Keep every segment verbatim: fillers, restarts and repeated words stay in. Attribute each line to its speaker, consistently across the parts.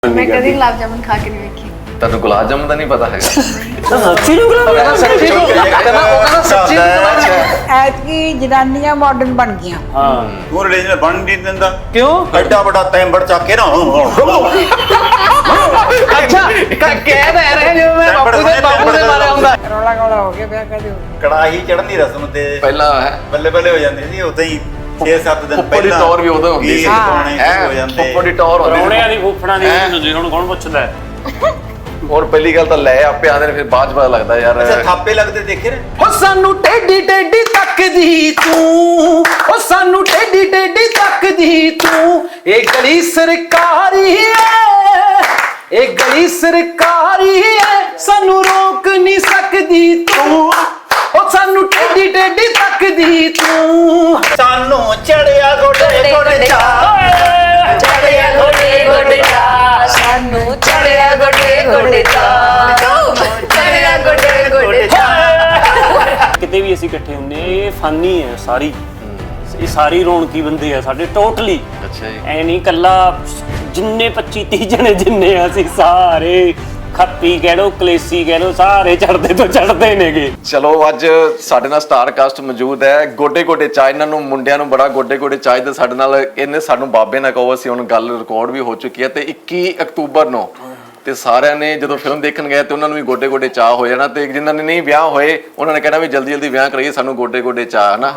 Speaker 1: मैं कभी गुलाब जामुन खा के नहीं देखी।
Speaker 2: ਤੈਨੂੰ ਗੁਲਾਬ ਜਾਮੁਨ ਦਾ ਨਹੀਂ ਪਤਾ ਹੈਗਾ?
Speaker 3: ਸੱਚੀ ਨੂੰ ਗੁਲਾਬ
Speaker 2: ਸੱਚੀ ਨੂੰ ਕਹਿੰਦਾ ਉਹ ਕਹਿੰਦਾ ਸੱਚੀ
Speaker 4: ਐਤਕੀ ਜਨਾਨੀਆਂ ਮਾਡਰਨ ਬਣ ਗਈਆਂ।
Speaker 3: ਹਾਂ
Speaker 5: ਤੂੰ ਰਿਲੀਜਨ ਬਣ ਨਹੀਂ ਦਿੰਦਾ
Speaker 3: ਕਿਉਂ?
Speaker 5: ਐਡਾ ਵੱਡਾ ਤੈਂਬੜ ਚੱਕ ਕੇ ਨਾ
Speaker 3: ਅੱਛਾ ਕਹਿ ਦੇ ਰਹੇ ਜਿਵੇਂ ਮੈਂ ਬਾਪੂ ਦੇ ਬਾਪੂ ਦੇ ਬਾਰੇ ਹੁੰਦਾ।
Speaker 4: ਰੌਲਾ ਗੌਲਾ ਹੋ ਗਿਆ ਵਿਆਹ ਕਦੇ ਹੋ ਗਿਆ।
Speaker 5: ਕੜਾਹੀ ਚੜਨ ਦੀ ਰਸਮ ਤੇ
Speaker 2: ਪਹਿਲਾਂ ਹੈ
Speaker 5: ਬੱਲੇ ਬੱਲੇ ਹੋ ਜਾਂਦੀ ਸੀ ਉਦਾਂ ਹੀ ਛੇ ਸੱਤ ਦਿਨ
Speaker 2: ਫੁੱਫੜ ਦੀ ਟੌਰ ਵੀ ਉਦੋਂ ਹੁੰਦੀ ਸੀ।
Speaker 5: ਪਾਉਣੇ
Speaker 2: ਹੈ
Speaker 5: ਹੋ ਜਾਂਦੇ
Speaker 2: ਫੁੱਫੜ ਦੀ ਟੌਰ ਹੁੰਦੀ
Speaker 3: ਰੌਣਿਆਂ
Speaker 2: ਸੀ।
Speaker 3: ਦੀ ਫੁੱਫੜਾਂ ਦੀ ਹੁੰਦੀ ਹੁਣ ਕੌਣ ਪੁੱਛਦਾ?
Speaker 2: ਹੋਰ ਪਹਿਲੀ ਗੱਲ ਤਾਂ ਲੈ ਆਪੇ ਆਂਦੇ ਨੇ ਫਿਰ ਬਾਅਦ ਚ ਪਤਾ ਲੱਗਦਾ ਯਾਰ।
Speaker 5: ਅੱਛਾ ਥਾਪੇ ਲੱਗਦੇ ਦੇਖੇ ਨੇ
Speaker 3: ਹੋ ਸਾਨੂੰ ਟੇਡੀ ਟੇਡੀ ਤੱਕਦੀ ਤੂੰ, ਹੋ ਸਾਨੂੰ ਟੇਡੀ ਟੇਡੀ ਤੱਕਦੀ ਤੂੰ, ਇਹ ਗਲੀ ਸਰਕਾਰੀ ਐ, ਇਹ ਗਲੀ ਸਰਕਾਰੀ ਐ, ਸਾਨੂੰ ਰੋਕ ਨਹੀਂ ਸਕਦੀ ਤੂੰ, ਹੋ ਸਾਨੂੰ ਟੇਡੀ ਟੇਡੀ ਤੱਕਦੀ ਤੂੰ।
Speaker 5: ਸਾਨੂੰ ਚੜਿਆ ਗੋਡੇ ਗੋਡੇ ਚਾ
Speaker 1: चढ़िया गोडे गोडे चा सानू चढ़िया गोडे गोडे चा चढ़िया गोडे गोडे चा।
Speaker 3: ਕਿਤੇ ਵੀ ਅਸੀਂ ਇਕੱਠੇ ਹੁੰਦੇ ਆ, ਇਹ ਫਾਨੀ ਹੈ ਸਾਰੀ, ਇਹ ਸਾਰੀ ਰੌਣਕੀ ਬੰਦੇ ਆ ਸਾਡੇ ਟੋਟਲੀ।
Speaker 2: ਅੱਛਾ ਜੀ।
Speaker 3: ਐ ਨਹੀਂ ਕੱਲਾ ਜਿੰਨੇ ਪੱਚੀ ਤੀਹ ਜਣੇ ਜਿੰਨੇ ਆ ਅਸੀਂ ਸਾਰੇ ਖੱਪੀ ਕਹਿ ਲੋ ਕਲੇਸੀ ਕਹਿ ਲੋ ਸਾਰੇ ਚੜਦੇ ਤੋਂ ਚੜਦੇ ਨੇਗੇ।
Speaker 2: ਚਲੋ ਅੱਜ ਸਾਡੇ ਨਾਲ ਸਟਾਰ ਕਾਸਟ ਮੌਜੂਦ ਹੈ। ਗੋਡੇ ਗੋਡੇ ਚਾਹ ਇਹਨਾਂ ਨੂੰ ਮੁੰਡਿਆਂ ਨੂੰ ਬੜਾ ਗੋਡੇ ਗੋਡੇ ਚਾਹ ਦਾ ਸਾਡੇ ਨਾਲ ਇਹਨੇ ਸਾਨੂੰ ਬਾਬੇ ਨਾ ਕਹੋ, ਅਸੀਂ ਹੁਣ ਗੱਲ ਰਿਕਾਰਡ ਵੀ ਹੋ ਚੁੱਕੀ ਹੈ ਤੇ ਇੱਕੀ ਅਕਤੂਬਰ ਨੂੰ ਤੇ ਸਾਰਿਆਂ ਨੇ ਜਦੋਂ ਫਿਲਮ ਦੇਖਣ ਗਏ ਤੇ ਉਹਨਾਂ ਨੂੰ ਵੀ ਗੋਡੇ ਗੋਡੇ ਚਾਹ ਹੋ ਜਾਣਾ ਤੇ ਜਿਨ੍ਹਾਂ ਨੇ ਨਹੀਂ ਵਿਆਹ ਹੋਏ ਉਹਨਾਂ ਨੇ ਕਹਿਣਾ ਵੀ ਜਲਦੀ ਜਲਦੀ ਵਿਆਹ ਕਰਾਈਏ, ਸਾਨੂੰ ਗੋਡੇ ਗੋਡੇ ਚਾਹ ਨਾ।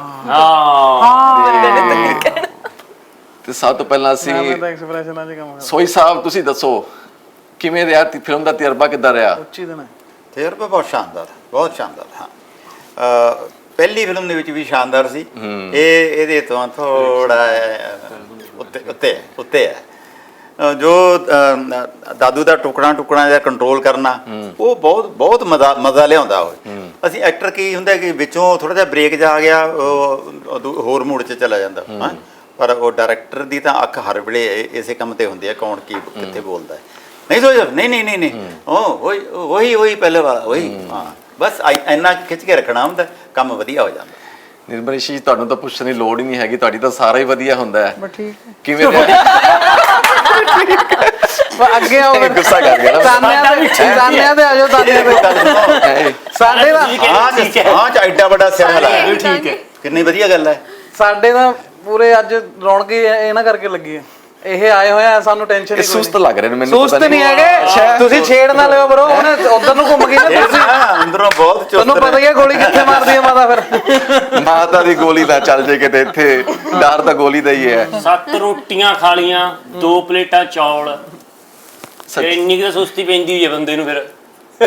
Speaker 3: ਹਾਂ
Speaker 2: ਤੇ ਸਭ ਤੋਂ ਪਹਿਲਾਂ ਅਸੀਂ ਸੋਈ ਸਾਹਿਬ ਤੁਸੀਂ ਦੱਸੋ ਕਿਵੇਂ ਰਿਹਾ ਫਿਲਮ ਦਾ ਤਜਰਬਾ ਕਿੱਦਾਂ ਰਿਹਾ?
Speaker 5: ਤਜਰਬਾ ਬਹੁਤ ਸ਼ਾਨਦਾਰ ਬਹੁਤ ਸ਼ਾਨਦਾਰ। ਹਾਂ ਅਹ ਪਹਿਲੀ ਫਿਲਮ ਦੇ ਵਿੱਚ ਵੀ ਸ਼ਾਨਦਾਰ ਸੀ। ਇਹ ਇਹਦੇ ਤੋਂ ਥੋੜਾ ਉੱਤੇ ਉੱਤੇ ਉੱਤੇ ਹੈ। ਅਹ ਜੋ ਅਹ ਦਾਦੂ ਦਾ ਟੁਕੜਾ ਟੁਕੜਾ ਜਾਂ ਕੰਟਰੋਲ ਕਰਨਾ ਉਹ ਬਹੁਤ ਬਹੁਤ ਮਜ਼ਾ ਮਜ਼ਾ ਲਿਆਉਂਦਾ ਉਹ। ਅਸੀਂ ਐਕਟਰ ਕੀ ਹੁੰਦਾ ਕਿ ਵਿੱਚੋਂ ਥੋੜਾ ਜਿਹਾ ਬ੍ਰੇਕ ਜਾ ਆ ਗਿਆ ਉਹ ਹੋਰ ਮੂਡ 'ਚ ਚਲਾ ਜਾਂਦਾ ਹਾਂ, ਪਰ ਉਹ ਡਾਇਰੈਕਟਰ ਦੀ ਤਾਂ ਅੱਖ ਹਰ ਵੇਲੇ ਇਸੇ ਕੰਮ ਤੇ ਹੁੰਦੀ ਹੈ ਕੌਣ ਕੀ ਕਿੱਥੇ ਬੋਲਦਾ ਹੈ। नहीं सोच नहीं नहीं नहीं नहीं ओ वही वही वही पहले वाला वही हाँ बस ਇੰਨਾ ਖਿੱਚ ਕੇ ਰੱਖਣਾ ਹੁੰਦਾ ਕੰਮ ਵਧੀਆ ਹੋ ਜਾਂਦਾ।
Speaker 2: ਨਿਰਮਲ ਜੀ ਤੁਹਾਨੂੰ ਤਾਂ ਪੁੱਛਣ ਦੀ ਲੋੜ ਹੀ ਨਹੀਂ ਹੈਗੀ, ਤੁਹਾਡੀ ਤਾਂ ਸਾਰਾ ਹੀ ਵਧੀਆ ਹੁੰਦਾ ਹੈ।
Speaker 4: ਬਸ ਠੀਕ ਹੈ।
Speaker 2: ਕਿਵੇਂ ਰਿਹਾ?
Speaker 3: ਅੱਗੇ ਆਓ
Speaker 2: ਗੁੱਸਾ ਕਰ ਗਿਆ ਨਾ।
Speaker 3: ਤਾਨਿਆਂ ਦੇ ਤਾਨਿਆਂ ਦੇ ਆਜੋ ਤਾਨਿਆਂ ਦੇ ਸਾਡੇ ਦਾ
Speaker 5: ਹਾਂ ਹਾਂ ਚ ਐਡਾ ਵੱਡਾ ਸਿਰ ਹਲਾ
Speaker 3: ਠੀਕ ਹੈ।
Speaker 5: ਕਿੰਨੀ ਵਧੀਆ ਗੱਲ ਹੈ।
Speaker 6: ਸਾਡੇ ਤਾਂ ਪੂਰੇ ਅੱਜ ਰੌਣਕ ਹੀ ਇਹਨਾਂ ਕਰਕੇ ਲੱਗੀ ਹੈ। ਇਹ ਆਏ ਹੋਏ ਆ ਸਾਨੂੰ ਟੈਨਸ਼ਨ
Speaker 2: ਇਹ
Speaker 6: ਨਹੀਂ।
Speaker 2: ਸੁਸਤ ਲੱਗ ਰਹੇ ਨੇ ਮੈਨੂੰ,
Speaker 6: ਸੁਸਤ ਨਹੀਂ ਹੈਗੇ ਤੁਸੀਂ, ਛੇੜ ਨਾ ਲਿਓ ਬਰੋ, ਉਹਨੇ ਉਧਰ ਨੂੰ ਘੁੰਮ ਗਈ ਨਾ ਤੁਸੀਂ।
Speaker 5: ਅੰਦਰੋਂ ਬਹੁਤ ਚੁਸਤ
Speaker 6: ਤੁਹਾਨੂੰ ਪਤਾ ਹੀ ਹੈ ਗੋਲੀ ਕਿੱਥੇ ਮਾਰਦੀ ਹੈ ਮਾਤਾ ਫਿਰ।
Speaker 2: ਮਾਤਾ ਦੀ ਗੋਲੀ ਨਾ ਚੱਲ ਜੇ ਕਿਤੇ ਇੱਥੇ, ਡਰ ਤਾਂ ਗੋਲੀ ਦਾ ਹੀ ਹੈ।
Speaker 3: ਸੱਤ ਰੋਟੀਆਂ ਖਾ ਲੀਆਂ, ਦੋ ਪਲੇਟਾਂ ਚੌਲ, ਫਿਰ ਇੰਨੀ ਕੁ ਸੁਸਤੀ ਪੈਂਦੀ ਹੋਈ ਹੈ ਬੰਦੇ ਨੂੰ ਫਿਰ।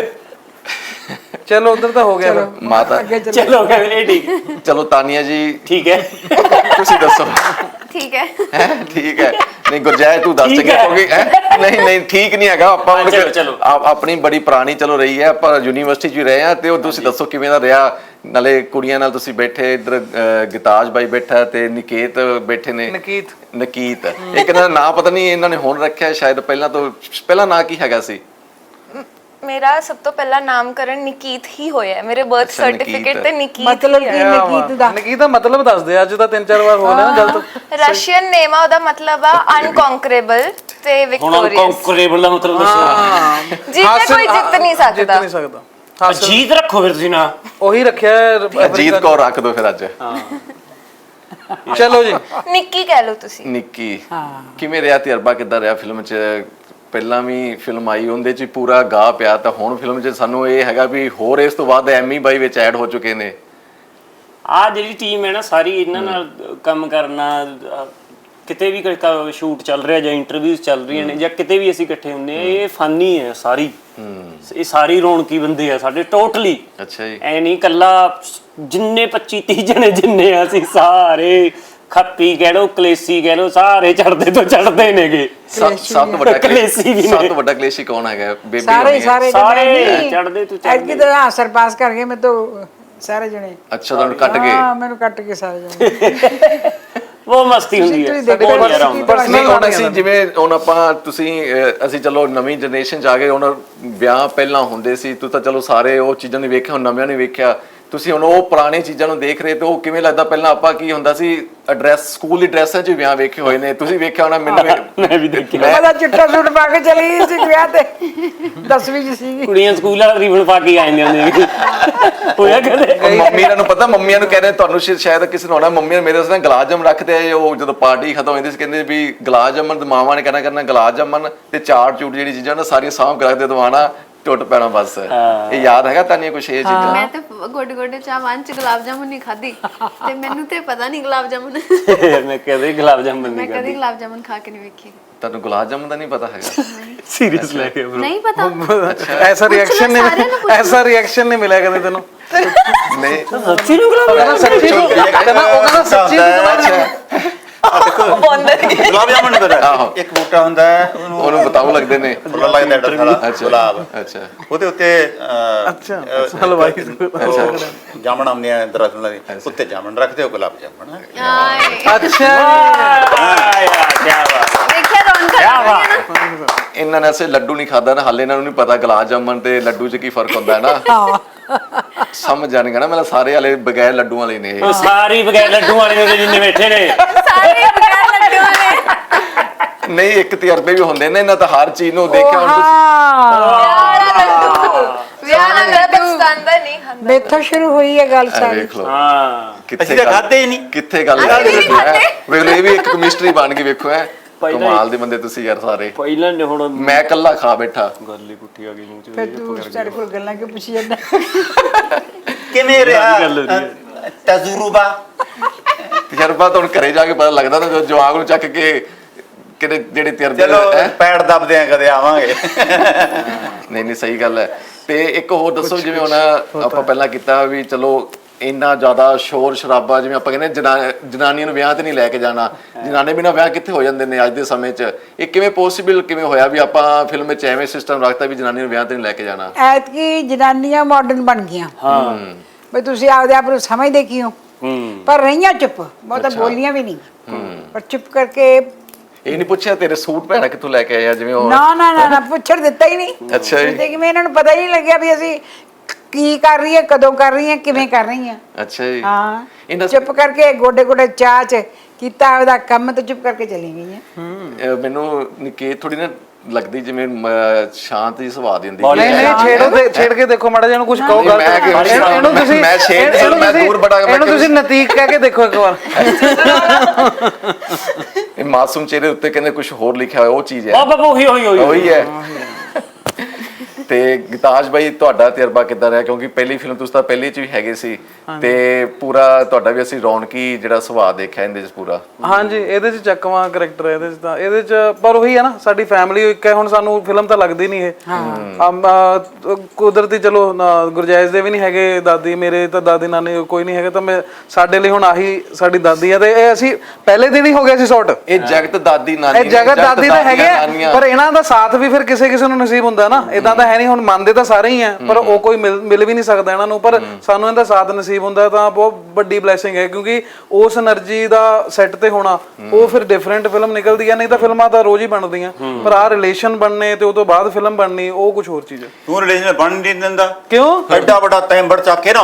Speaker 6: ਚਲੋ ਉਧਰ ਤਾਂ ਹੋ ਗਿਆ ਫਿਰ।
Speaker 2: ਮਾਤਾ
Speaker 3: ਚਲੋ ਇਹ ਠੀਕ ਹੈ।
Speaker 2: ਚਲੋ ਤਾਨੀਆ ਜੀ
Speaker 3: ਠੀਕ ਹੈ
Speaker 2: ਤੁਸੀਂ ਦੱਸੋ।
Speaker 1: ठीक है
Speaker 2: ਹੈ ਠੀਕ ਹੈ। ਨਹੀਂ ਗੁਰਜੈਤ ਤੂੰ ਦੱਸ ਕੇ ਕਿਉਂਕਿ ਨਹੀਂ ਨਹੀਂ ਠੀਕ ਨਹੀਂ ਹੈਗਾ। ਆਪਾਂ ਹੁਣ ਆਪਣੀ ਬੜੀ ਪੁਰਾਣੀ ਚਲੋ ਰਹੀ ਹੈ, ਆਪਾਂ ਯੂਨੀਵਰਸਿਟੀ 'ਚ ਵੀ ਰਹੇ ਆ ਤੇ ਉਹ ਤੁਸੀਂ ਦੱਸੋ ਕਿਵੇਂ ਦਾ ਰਿਹਾ? ਨਾਲੇ ਕੁੜੀਆਂ ਨਾਲ ਤੁਸੀਂ ਬੈਠੇ, ਇੱਧਰ ਗਿਤਾਜ ਬਾਈ ਬੈਠਾ ਤੇ ਨਿਕੇਤ ਬੈਠੇ ਨੇ।
Speaker 6: ਨਕੀਤ
Speaker 2: ਨਕੀਤ ਇੱਕ ਇਹਨਾਂ ਦਾ ਨਾਂ ਪਤਾ ਨਹੀਂ ਇਹਨਾਂ ਨੇ ਹੁਣ ਰੱਖਿਆ ਸ਼ਾਇਦ, ਪਹਿਲਾਂ ਤੋਂ ਪਹਿਲਾਂ ਨਾਂ ਕੀ ਹੈਗਾ ਸੀ?
Speaker 7: मेरा सब तो पहला नामकरण निकीत ही होया है, मेरे बर्थ
Speaker 2: अच्छा,
Speaker 7: सर्टिफिकेट
Speaker 2: निकीत।
Speaker 7: ते निकीत
Speaker 4: मतलब
Speaker 7: ही
Speaker 4: कि
Speaker 7: है।
Speaker 4: नकीत ਦਾ
Speaker 6: ਨਕੀਤ ਦਾ ਮਤਲਬ ਦੱਸ ਦੇ, ਅੱਜ ਤਾਂ ਤਿੰਨ ਚਾਰ ਵਾਰ ਹੋ ਲਿਆ ਗਲਤ।
Speaker 7: रशियन नेम आ ओदा मतलब आ अनकॉन्करेबल ते
Speaker 3: ਹੁਣ
Speaker 7: विक्टोरियस,
Speaker 3: ਕੰਕਰੇਬਲ ਦਾ ਮਤਲਬ ਦੱਸੋ।
Speaker 7: जिसे कोई जित नहीं
Speaker 6: ਜਿੱਤ
Speaker 7: सकता।
Speaker 6: ਨਹੀਂ ਸਕਦਾ।
Speaker 3: ਜੀਤ ਰੱਖੋ ਫਿਰ ਤੁਸੀਂ ਨਾ।
Speaker 6: ਉਹੀ ਰੱਖਿਆ
Speaker 2: ਜੀਤ ਕੌਰ ਰੱਖ ਦੋ ਫਿਰ ਅੱਜ।
Speaker 6: ਚਲੋ ਜੀ
Speaker 7: निक्की कह लो तुसी।
Speaker 2: ਨਿੱਕੀ ਕਿਵੇਂ ਰਿਹਾ ਤਜਰਬਾ, ਕਿੱਦਾਂ ਰਿਹਾ ਫਿਲਮ 'ਚ? ਪਹਿਲਾਂ ਵੀ ਫਿਲਮ ਆਈ ਉਹਦੇ 'ਚ ਪੂਰਾ ਗਾ ਪਿਆ ਤਾਂ ਹੁਣ ਫਿਲਮ 'ਚ ਸਾਨੂੰ ਇਹ ਹੈਗਾ ਵੀ ਹੋਰ ਇਸ ਤੋਂ ਬਾਅਦ ਐਮੀ ਬਾਈ ਵਿੱਚ ਐਡ ਹੋ ਚੁੱਕੇ ਨੇ।
Speaker 3: ਆ ਜਿਹੜੀ ਟੀਮ ਹੈ ਨਾ ਸਾਰੀ, ਇਹਨਾਂ ਨਾਲ ਕੰਮ ਕਰਨਾ, ਕਿਤੇ ਵੀ ਕੋਈ ਸ਼ੂਟ ਚੱਲ ਰਿਹਾ ਜਾਂ ਇੰਟਰਵਿਊਜ਼ ਚੱਲ ਰਹੀਆਂ ਨੇ ਜਾਂ ਕਿਤੇ ਵੀ ਅਸੀਂ ਇਕੱਠੇ ਹੁੰਦੇ ਆ, ਇਹ ਫਾਨੀ ਹੈ ਸਾਰੀ, ਇਹ ਸਾਰੀ ਰੌਣਕੀ ਬੰਦੇ ਆ ਸਾਡੇ ਟੋਟਲੀ।
Speaker 2: ਅੱਛਾ ਜੀ।
Speaker 3: ਐ ਨਹੀਂ ਕੱਲਾ ਜਿੰਨੇ ਪੱਚੀ ਤੀਹ ਜਣੇ ਜਿੰਨੇ ਆ ਅਸੀਂ ਸਾਰੇ ਖੱਪੀ ਕਹਿ ਲੋ ਕਲੇਸੀ ਕਹਿ ਲੋ ਸਾਰੇ ਚੜਦੇ ਤੋਂ ਚੜਦੇ ਨੇਗੇ।
Speaker 2: ਸਭ ਸਭ ਤੋਂ ਵੱਡਾ
Speaker 3: ਕਲੇਸ਼ੀ ਵੀ ਨੇ।
Speaker 2: ਸਭ ਤੋਂ ਵੱਡਾ ਕਲੇਸ਼ੀ ਕੌਣ ਹੈਗਾ? ਬੇਬੀ
Speaker 4: ਸਾਰੇ
Speaker 2: ਹੋਣੀ ਹੈ।
Speaker 4: ਸਾਰੇ
Speaker 3: ਸਾਰੇ ਚੜਦੇ ਤੋਂ
Speaker 4: ਐਤਕੀ
Speaker 3: ਚੜਦੇ।
Speaker 4: ਤਾਂ ਹਾਂ ਸਰਪਾਸ ਕਰ ਗਏ ਮੈਂ ਤਾਂ ਸਾਰੇ ਜਣੇ।
Speaker 2: ਅੱਛਾ ਤੁਹਾਨੂੰ ਕੱਟ ਗਏ?
Speaker 4: ਹਾਂ ਮੈਨੂੰ ਕੱਟ ਕੇ ਸਾਰੇ ਜਣੇ।
Speaker 3: ਉਹ ਮਸਤੀ ਹੁੰਦੀ ਹੈ।
Speaker 4: ਤੁਸੀਂ ਦੇਖੋ
Speaker 3: ਬਹੁਤ ਯਾਰਾ ਹੁੰਦਾ।
Speaker 2: ਨਹੀਂ ਹੁਣ ਅਸੀਂ ਜਿਵੇਂ ਹੁਣ ਆਪਾਂ ਤੁਸੀਂ ਅਹ, ਅਸੀਂ ਚਲੋ ਨਵੀਂ ਜਨਰੇਸ਼ਨ 'ਚ ਆ ਗਏ, ਹੁਣ ਵਿਆਹ ਪਹਿਲਾਂ ਹੁੰਦੇ ਸੀ, ਤੂੰ ਤਾਂ ਚਲੋ ਸਾਰੇ ਉਹ ਚੀਜ਼ਾਂ ਨੇ ਵੇਖਿਆ, ਹੁਣ ਨਵਿਆਂ ਨੇ ਵੇਖਿਆ ਤੁਸੀਂ ਹੁਣ ਉਹ ਪੁਰਾਣੀ ਚੀਜ਼ਾਂ ਨੂੰ ਦੇਖ ਰਹੇ ਤੇ ਉਹ ਕਿਵੇਂ ਲੱਗਦਾ? ਪਹਿਲਾਂ ਆਪਾਂ ਕੀ ਹੁੰਦਾ ਸੀ, ਐਡਰੈਸ ਸਕੂਲ ਦੀ ਡਰੈਸਾਂ 'ਚ ਵਿਆਹ ਵੇਖੇ ਹੋਏ ਨੇ, ਤੁਸੀਂ ਵੇਖਿਆ ਹੋਣਾ। ਮੈਨੂੰ
Speaker 8: ਮੈਂ ਵੀ ਦੇਖਿਆ।
Speaker 4: ਮੈਂ ਤਾਂ ਚਿੱਟਾ ਸੂਟ ਪਾ ਕੇ ਚਲੀ ਗਈ ਸੀ ਵਿਆਹ ਤੇ, ਦਸਵੀਂ ਚ ਸੀਗੀ।
Speaker 8: ਕੁੜੀਆਂ ਸਕੂਲ ਵਾਲਾ ਰੀਬਨ ਪਾ ਕੇ ਆ ਜਾਂਦੀਆਂ ਹੁੰਦੀਆਂ ਹੋਇਆ ਕਦੇ?
Speaker 2: ਮੰਮੀਆਂ ਨੂੰ ਪਤਾ, ਮੰਮੀਆਂ ਨੂੰ ਕਹਿੰਦੇ ਤੁਹਾਨੂੰ ਸ਼ਾਇਦ- ਸ਼ਾਇਦ ਕਿਸੇ ਨੂੰ ਹੋਣਾ, ਮੰਮੀਆਂ ਮੇਰੇ ਵਾਸਤੇ ਗੁਲਾਬ ਜਾਮਨ ਰੱਖਦੇ ਆ। ਉਹ ਜਦੋਂ ਪਾਰਟੀ ਖਤਮ ਹੁੰਦੀ ਸੀ ਕਹਿੰਦੇ ਵੀ ਗੁਲਾਬ ਜਾਮਨ, ਮਾਵਾਂ ਨੇ ਕਹਿਣਾ ਕਰਨਾ ਗੁਲਾਬ ਜਾਮਨ ਤੇ ਚਾਟ ਚੂਟ ਜਿਹੜੀ ਚੀਜ਼ਾਂ ਨਾ ਸਾਰੀਆਂ ਸਾਂਭ ਕੇ ਰੱਖਦੇ, ਦਵਾਣਾ ਟੁੱਟ ਪੈਣਾ ਬਸ। ਇਹ ਯਾਦ ਹੈਗਾ ਤੁਹਾਨੂੰ ਕੁਛ ਇਹ ਚੀਜ਼ਾਂ?
Speaker 9: ਮੈਂ ਤੇ ਗੋਡੇ ਗੋਡੇ ਚਾਹਵਾਨ ਚ ਗੁਲਾਬ ਜਾਮੁਨ ਨਹੀਂ ਖਾਧੀ ਤੇ ਮੈਨੂੰ ਤੇ ਪਤਾ ਨਹੀਂ ਗੁਲਾਬ ਜਾਮੁਨ।
Speaker 8: ਮੈਂ ਕਦੇ ਗੁਲਾਬ ਜਾਮਨ
Speaker 9: ਮੈਂ
Speaker 8: ਨਹੀਂ
Speaker 9: ਕਦੇ
Speaker 8: ਖਾਦੀ।
Speaker 9: ਗੁਲਾਬ ਜਾਮੁਨ ਖਾ ਕੇ ਨਹੀਂ ਵੇਖੀ।
Speaker 2: ਤੁਹਾਨੂੰ ਗੁਲਾਬ ਜਾਮਨ ਦਾ ਨਹੀਂ ਪਤਾ ਹੈਗਾ?
Speaker 8: ਸੀਰੀਅਸ ਲੈ ਕੇ bro।
Speaker 9: ਨਹੀਂ ਪਤਾ।
Speaker 6: ਐਸਾ ਰਿਐਕਸ਼ਨ
Speaker 9: ਸਾਰਿਆਂ ਨੂੰ
Speaker 6: ਨਹੀਂ,
Speaker 9: ਪੁੱਛ
Speaker 6: ਐਸਾ ਰਿਐਕਸ਼ਨ ਨਹੀਂ ਮਿਲਿਆ ਕਦੇ ਤੈਨੂੰ।
Speaker 2: ਨਹੀਂ
Speaker 8: ਸੱਚੀ ਨੂੰ ਗੁਲਾਬ
Speaker 6: ਕਹਿੰਦਾ ਸੱਚੀ ਨੂੰ, ਕਹਿੰਦਾ ਉਹ ਕਹਿੰਦਾ ਸੱਚੀ ਨੂੰ।
Speaker 5: ਗੁਲਾਬ ਜਾਮਨ ਨਹੀਂ ਪਤਾ। ਇੱਕ ਬੂਟਾ ਹੁੰਦਾ ਹੈ, ਉਹਨੂੰ
Speaker 2: ਉਹਨੂੰ ਬਤਾਉ ਲੱਗਦੇ ਨੇ,
Speaker 5: ਫੁੱਲ ਲੱਗਦਾ ਐਡਾ ਸਾਰਾ ਗੁਲਾਬ।
Speaker 2: ਅੱਛਾ
Speaker 5: ਉਹਦੇ ਉੱਤੇ ਅਹ,
Speaker 6: ਅੱਛਾ,
Speaker 5: ਅਹ,
Speaker 6: ਹਲਵਾਈ।
Speaker 5: ਉਹ ਜਾਮਣ ਆਉਂਦੇ ਆ ਦਰਖਤਾਂ ਦੇ ਉੱਤੇ, ਜਾਮਣ ਰੱਖਦੇ ਹੋ, ਗੁਲਾਬ ਜਾਮਣ।
Speaker 9: ਆਏ
Speaker 6: ਅੱਛਾ
Speaker 8: ਆ ਯਾਰ ਕੀ ਬਾਤ।
Speaker 9: ਦੇਖਿਆ ਰੌਣਕ ਲੱਗ ਗਈ ਨਾ।
Speaker 2: ਇਹਨਾਂ ਨੇ ਐਸੇ ਲੱਡੂ ਨਹੀਂ ਖਾਦਾ ਨਾ, ਹਾਲੇ ਇਹਨਾਂ ਨੂੰ ਨਹੀਂ ਪਤਾ ਗੁਲਾਬ ਜਾਮਨ ਤੇ ਲੱਡੂ 'ਚ ਕੀ ਫਰਕ ਹੁੰਦਾ ਹੈ ਨਾ। ਸਮਝ ਜਾਣਗੇ ਨਾ, ਮਤਲਬ ਸਾਰੇ ਵਾਲੇ ਬਗੈਰ ਲੱਡੂ ਵਾਲੇ ਨੇ ਇਹ।
Speaker 8: ਉਹ ਸਾਰੀ ਬਗੈਰ ਲੱਡੂ ਵਾਲੇ ਨੇ ਜਿੰਨੇ ਬੈਠੇ ਨੇ।
Speaker 9: ਸਾਰੇ ਬਗੈਰ ਲੱਡੂ ਵਾਲੇ।
Speaker 2: ਨਹੀਂ, ਇੱਕ ਤਜਰਬੇ ਵੀ ਹੁੰਦੇ ਨੇ ਇਹਨਾਂ ਤਾਂ ਹਰ ਚੀਜ਼ ਨੂੰ ਦੇਖਿਆ ਹੁਣ ਤੁਸੀਂ।
Speaker 7: ਵਿਆਹ ਨਾਲ ਮੇਰਾ ਪਾਕਿਸਤਾਨ ਦਾ ਨਹੀਂ ਖਾਂਦਾ।
Speaker 4: ਮੇਥੋਂ ਸ਼ੁਰੂ ਹੋਈ ਹੈ ਗੱਲ
Speaker 2: ਇਹ
Speaker 4: ਸਾਰੀ।
Speaker 2: ਵੇਖ ਲਓ
Speaker 8: ਹਾਂ
Speaker 2: ਕਿੱਥੇ
Speaker 5: ਅਸੀਂ ਤਾਂ
Speaker 2: ਗੱਲ-
Speaker 5: ਖਾਧੇ ਹੀ ਨਹੀਂ।
Speaker 2: ਕਿੱਥੇ ਗੱਲ
Speaker 7: ਅਸੀਂ
Speaker 2: ਕਰਦੇ
Speaker 7: ਵੀ ਨਹੀਂ
Speaker 2: ਲੱਡੂ ਹੈ।
Speaker 7: ਖਾਧੇ।
Speaker 2: ਵੇਖ ਲਓ, ਇਹ ਵੀ ਇੱਕ ਕੈਮਿਸਟਰੀ ਬਣ ਗਈ। ਵੇਖੋ ਐ
Speaker 8: ਪਹਿਲਾਂ ਹੀ-
Speaker 2: ਕਮਾਲ ਦੇ ਬੰਦੇ ਤੁਸੀਂ ਯਾਰ ਸਾਰੇ।
Speaker 8: ਪਹਿਲਾਂ ਨੇ ਹੁਣ
Speaker 2: ਮੈਂ ਇਕੱਲਾ ਖਾ ਬੈਠਾ।
Speaker 8: ਗੱਲ ਹੀ ਪੁੱਠੀ ਆ ਗਈ ਮੂੰਹ ਚ।
Speaker 4: ਫਿਰ ਤੂੰ ਸਾਡੇ ਕੋਲ ਗੱਲਾਂ ਕਿਉਂ ਪੁੱਛੀ ਜਾਂਦਾ?
Speaker 5: ਕਿਵੇਂ ਰਿਹਾ
Speaker 8: ਗੱਲ ਹੋ ਰਹੀ
Speaker 5: ਅਹ, ਤਜਰਬਾ?
Speaker 2: ਤਜਰਬਾ ਤਾਂ ਹੁਣ ਘਰੇ ਜਾ ਕੇ ਪਤਾ ਲੱਗਦਾ ਨਾ, ਜਦੋਂ ਜਵਾਗ ਨੂੰ ਚੱਕ ਕੇ ਕਿਹੜੇ ਜਿਹੜੇ ਤਜਰਬੇ
Speaker 5: ਚਲੋ
Speaker 2: ਹੈਂ?
Speaker 5: ਪੈੜ ਦੱਬਦੇ ਆ, ਕਦੇ ਆਵਾਂਗੇ।
Speaker 2: ਨਹੀਂ ਨਹੀਂ ਸਹੀ ਗੱਲ ਹੈ। ਤੇ ਇੱਕ ਹੋਰ ਦੱਸੋ, ਜਿਵੇਂ ਹੁਣ ਆਪਾਂ ਪਹਿਲਾਂ ਕੀਤਾ ਵੀ ਚਲੋ ਇੰਨਾ ਜ਼ਿਆਦਾ ਸ਼ੋਰ ਸ਼ਰਾਬਾ, ਜਿਵੇਂ ਆਪਾਂ ਕਹਿੰਦੇ ਜਨਾ- ਜਨਾਨੀਆਂ ਨੂੰ ਵਿਆਹ ਤੇ ਨਹੀਂ ਲੈ ਕੇ ਜਾਣਾ, ਜਨਾਨੇ ਬਿਨਾਂ ਵਿਆਹ ਕਿੱਥੇ ਹੋ ਜਾਂਦੇ ਨੇ ਅੱਜ ਦੇ ਸਮੇਂ 'ਚ। ਇਹ ਕਿਵੇਂ ਪੋਸੀਬਲ ਕਿਵੇਂ ਹੋਇਆ ਵੀ ਆਪਾਂ ਫਿਲਮ ਵਿੱਚ ਐਵੇਂ ਸਿਸਟਮ ਰੱਖਤਾ ਵੀ ਜਨਾਨੀ ਨੂੰ ਵਿਆਹ ਤੇ ਨਹੀਂ ਲੈ ਕੇ ਜਾਣਾ?
Speaker 4: ਐਤਕੀ ਜਨਾਨੀਆਂ ਮਾਡਰਨ ਬਣ ਗਈਆਂ।
Speaker 8: ਹਾਂ
Speaker 4: ਬਈ ਤੁਸੀਂ ਆਪਦੇ ਆਪ ਨੂੰ ਸਮਝਦੇ ਕਿਉਂ?
Speaker 8: ਹੂੰ
Speaker 4: ਪਰ ਰਹੀਆਂ ਚੁੱਪ, ਬਹੁਤਾ ਬੋਲੀਆਂ ਵੀ ਨਹੀਂ, ਪਰ ਚੁੱਪ ਕਰਕੇ।
Speaker 2: ਇਹ ਨਹੀਂ ਪੁੱਛਿਆ ਤੇਰੇ ਸੂਟ ਭੈਣਾ ਕਿੱਥੋਂ ਲੈ ਕੇ ਆਇਆ, ਜਿਵੇਂ ਉਹ
Speaker 4: ਨਾ ਨਾ ਨਾ ਨਾ ਪੁੱਛਣ ਦਿੱਤਾ ਹੀ ਨਹੀਂ।
Speaker 2: ਅੱਛਾ ਜੀ।
Speaker 4: ਤੇ ਕਿਵੇਂ ਇਹਨਾਂ ਨੂੰ ਪਤਾ ਹੀ ਨਹੀਂ ਲੱਗਿਆ ਵੀ ਅਸੀਂ ਕੀ ਕਰ ਰਹੀ ਹੈ, ਕਦੋਂ ਕਰ ਰਹੀ ਹੈ, ਕਿਵੇਂ ਕਰ ਰਹੀ ਹੈ।
Speaker 2: ਅੱਛਾ ਜੀ।
Speaker 4: ਹਾਂ,
Speaker 2: ਇਹਨਾਂ
Speaker 4: ਚੁੱਪ ਕਰਕੇ ਗੋਡੇ ਗੋਡੇ ਚਾਹ ਚ ਕੀਤਾ ਉਹਦਾ ਕੰਮ ਤੇ ਚੁੱਪ ਕਰਕੇ ਚਲੀ ਗਈਆਂ।
Speaker 2: ਅਹ ਮੈਨੂੰ ਨਿਕੇਤ ਥੋੜੀ ਨਾ ਲੱਗਦੀ ਜਿਵੇਂ ਮ- ਸ਼ਾਂਤ ਜਿਹੀ ਸੁਭਾਅ ਦੀ ਹੁੰਦੀ
Speaker 6: ਨਹੀਂ ਨਹੀਂ, ਛੇੜੋ ਤੇ ਛੇੜ ਕੇ ਦੇਖੋ ਮਾੜਾ ਜਿਹਾ, ਇਹਨੂੰ ਕੁਝ ਕਹੋ।
Speaker 2: ਨਹੀਂ,
Speaker 6: ਗੱਲ
Speaker 2: ਮੈਂ ਕਿਹਾ-
Speaker 6: ਇਹਨੂੰ ਇਹਨੂੰ
Speaker 2: ਮੈਂ-
Speaker 6: ਤੁਸੀਂ
Speaker 2: ਮੈਂ ਛੇੜ ਨਹੀਂ,
Speaker 6: ਇਹਨੂੰ
Speaker 2: ਮੈਂ
Speaker 6: ਤੁਸੀਂ-
Speaker 2: ਦੂਰ ਬੜਾ- ਮੈਂ
Speaker 6: ਇਹਨੂੰ
Speaker 2: ਕਿਹਾ-
Speaker 6: ਤੁਸੀਂ ਨਤੀਕ ਕਹਿ ਕੇ ਦੇਖੋ ਇੱਕ ਵਾਰ।
Speaker 2: ਇਹ ਮਾਸੂਮ ਚਿਹਰੇ ਉੱਤੇ ਕਹਿੰਦੇ ਕੁਝ ਹੋਰ ਲਿਖਿਆ ਹੋਇਆ, ਉਹ ਚੀਜ਼ ਹੈ।
Speaker 8: ਬਾਬਾ ਉਹੀ ਉਹੀ ਉਹੀ
Speaker 2: ਉਹੀ ਹੈ। ਤੇ ਗਿਤਾਜ ਬਾਈ, ਤੁਹਾਡਾ ਤਜਰਬਾ ਕਿੱਦਾਂ ਰਿਹਾ? ਕਿਉਂਕਿ ਪਹਿਲੀ ਫਿਲਮ ਤੁਸੀਂ ਤਾਂ ਪਹਿਲੀ ਚ ਵੀ ਹੈਗੇ ਸੀ, ਤੇ ਪੂਰਾ ਤੁਹਾਡਾ ਵੀ ਅਸੀਂ ਰੌਣਕੀ ਜਿਹੜਾ ਸੁਭਾਅ ਦੇਖਿਆ ਇਹਦੇ ਚ ਪੂਰਾ।
Speaker 6: ਹਾਂਜੀ, ਇਹਦੇ ਚ ਚੱਕਵਾਂ ਕਰੈਕਟਰ ਹੈ ਇਹਦੇ ਚ ਤਾਂ। ਇਹਦੇ ਚ ਪਰ ਉਹੀ ਹੈ ਨਾ, ਸਾਡੀ ਫੈਮਿਲੀ ਇੱਕ ਹੈ। ਹੁਣ ਸਾਨੂੰ ਫਿਲਮ ਤਾਂ ਲੱਗਦੀ ਨਹੀਂ ਇਹ। ਹਾਂ, ਕੁਦਰਤੀ ਚਲੋ ਨਾ, ਗੁਰਜੈਜ਼ ਦੇ ਵੀ ਨਹੀਂ ਹੈਗੇ ਦਾਦੀ, ਮੇਰੇ ਤਾਂ ਦਾਦੀ ਨਾਨੀ ਕੋਈ ਨਹੀਂ ਹੈਗਾ, ਤਾਂ ਮੈਂ ਸਾਡੇ ਲਈ ਹੁਣ ਆਹੀ ਸਾਡੀ ਦਾਦੀ ਹੈ। ਤੇ ਇਹ ਅਸੀਂ ਪਹਿਲੇ ਦਿਨ ਹੀ ਹੋ ਗਿਆ ਸੀ ਸ਼ਾਟ।
Speaker 2: ਇਹ ਜਗਤ ਦਾਦੀ ਨਾਨੀ
Speaker 6: ਇਹ ਜਗਤ ਦਾਦੀ ਤਾਂ ਹੈਗੇ ਆ,
Speaker 2: ਨਾਨੀਆਂ।
Speaker 6: ਪਰ ਇਹਨਾਂ ਦਾ ਸਾਥ ਵੀ ਫਿਰ ਕਿਸੇ ਕਿਸੇ ਨੂੰ ਨਸੀਬ ਹੁੰਦਾ ਨਾ। ਇਦਾਂ ਤਾਂ ਹੈ ਨਹੀਂ, ਹੁਣ ਮੰਨਦੇ ਤਾਂ ਸਾਰੇ ਹੀ ਆ, ਪਰ ਉਹ ਕੋਈ ਮਿਲ ਮਿਲ ਵੀ ਨਹੀਂ ਸਕਦਾ ਇਹਨਾਂ ਨੂੰ। ਪਰ ਸਾਨੂੰ ਇਹਦਾ ਸਾਥ ਨਸੀਬ ਹੁੰਦਾ ਤਾਂ ਬਹੁਤ ਵੱਡੀ ਬਲੇਸਿੰਗ ਹੈ, ਕਿਉਂਕਿ ਉਸ એનર્ਜੀ ਦਾ ਸੈੱਟ ਤੇ ਹੋਣਾ, ਉਹ ਫਿਰ ਡਿਫਰੈਂਟ ਫਿਲਮ ਨਿਕਲਦੀ ਹੈ। ਨਹੀਂ ਤਾਂ ਫਿਲਮਾਂ ਤਾਂ ਰੋਜ਼ ਹੀ ਬਣਦੀਆਂ, ਪਰ ਆਹ ਰਿਲੇਸ਼ਨ ਬਣਨੇ ਤੇ ਉਹ ਤੋਂ ਬਾਅਦ ਫਿਲਮ ਬਣਨੀ, ਉਹ ਕੁਝ ਹੋਰ ਚੀਜ਼ ਹੈ।
Speaker 5: ਤੂੰ ਰਿਲੇਸ਼ਨ ਬਣ ਨਹੀਂ ਦਿੰਦਾ
Speaker 6: ਕਿਉਂ?
Speaker 5: ਐਡਾ ਵੱਡਾ ਤੈਂਬੜ ਚੱਕ ਕੇ ਨਾ।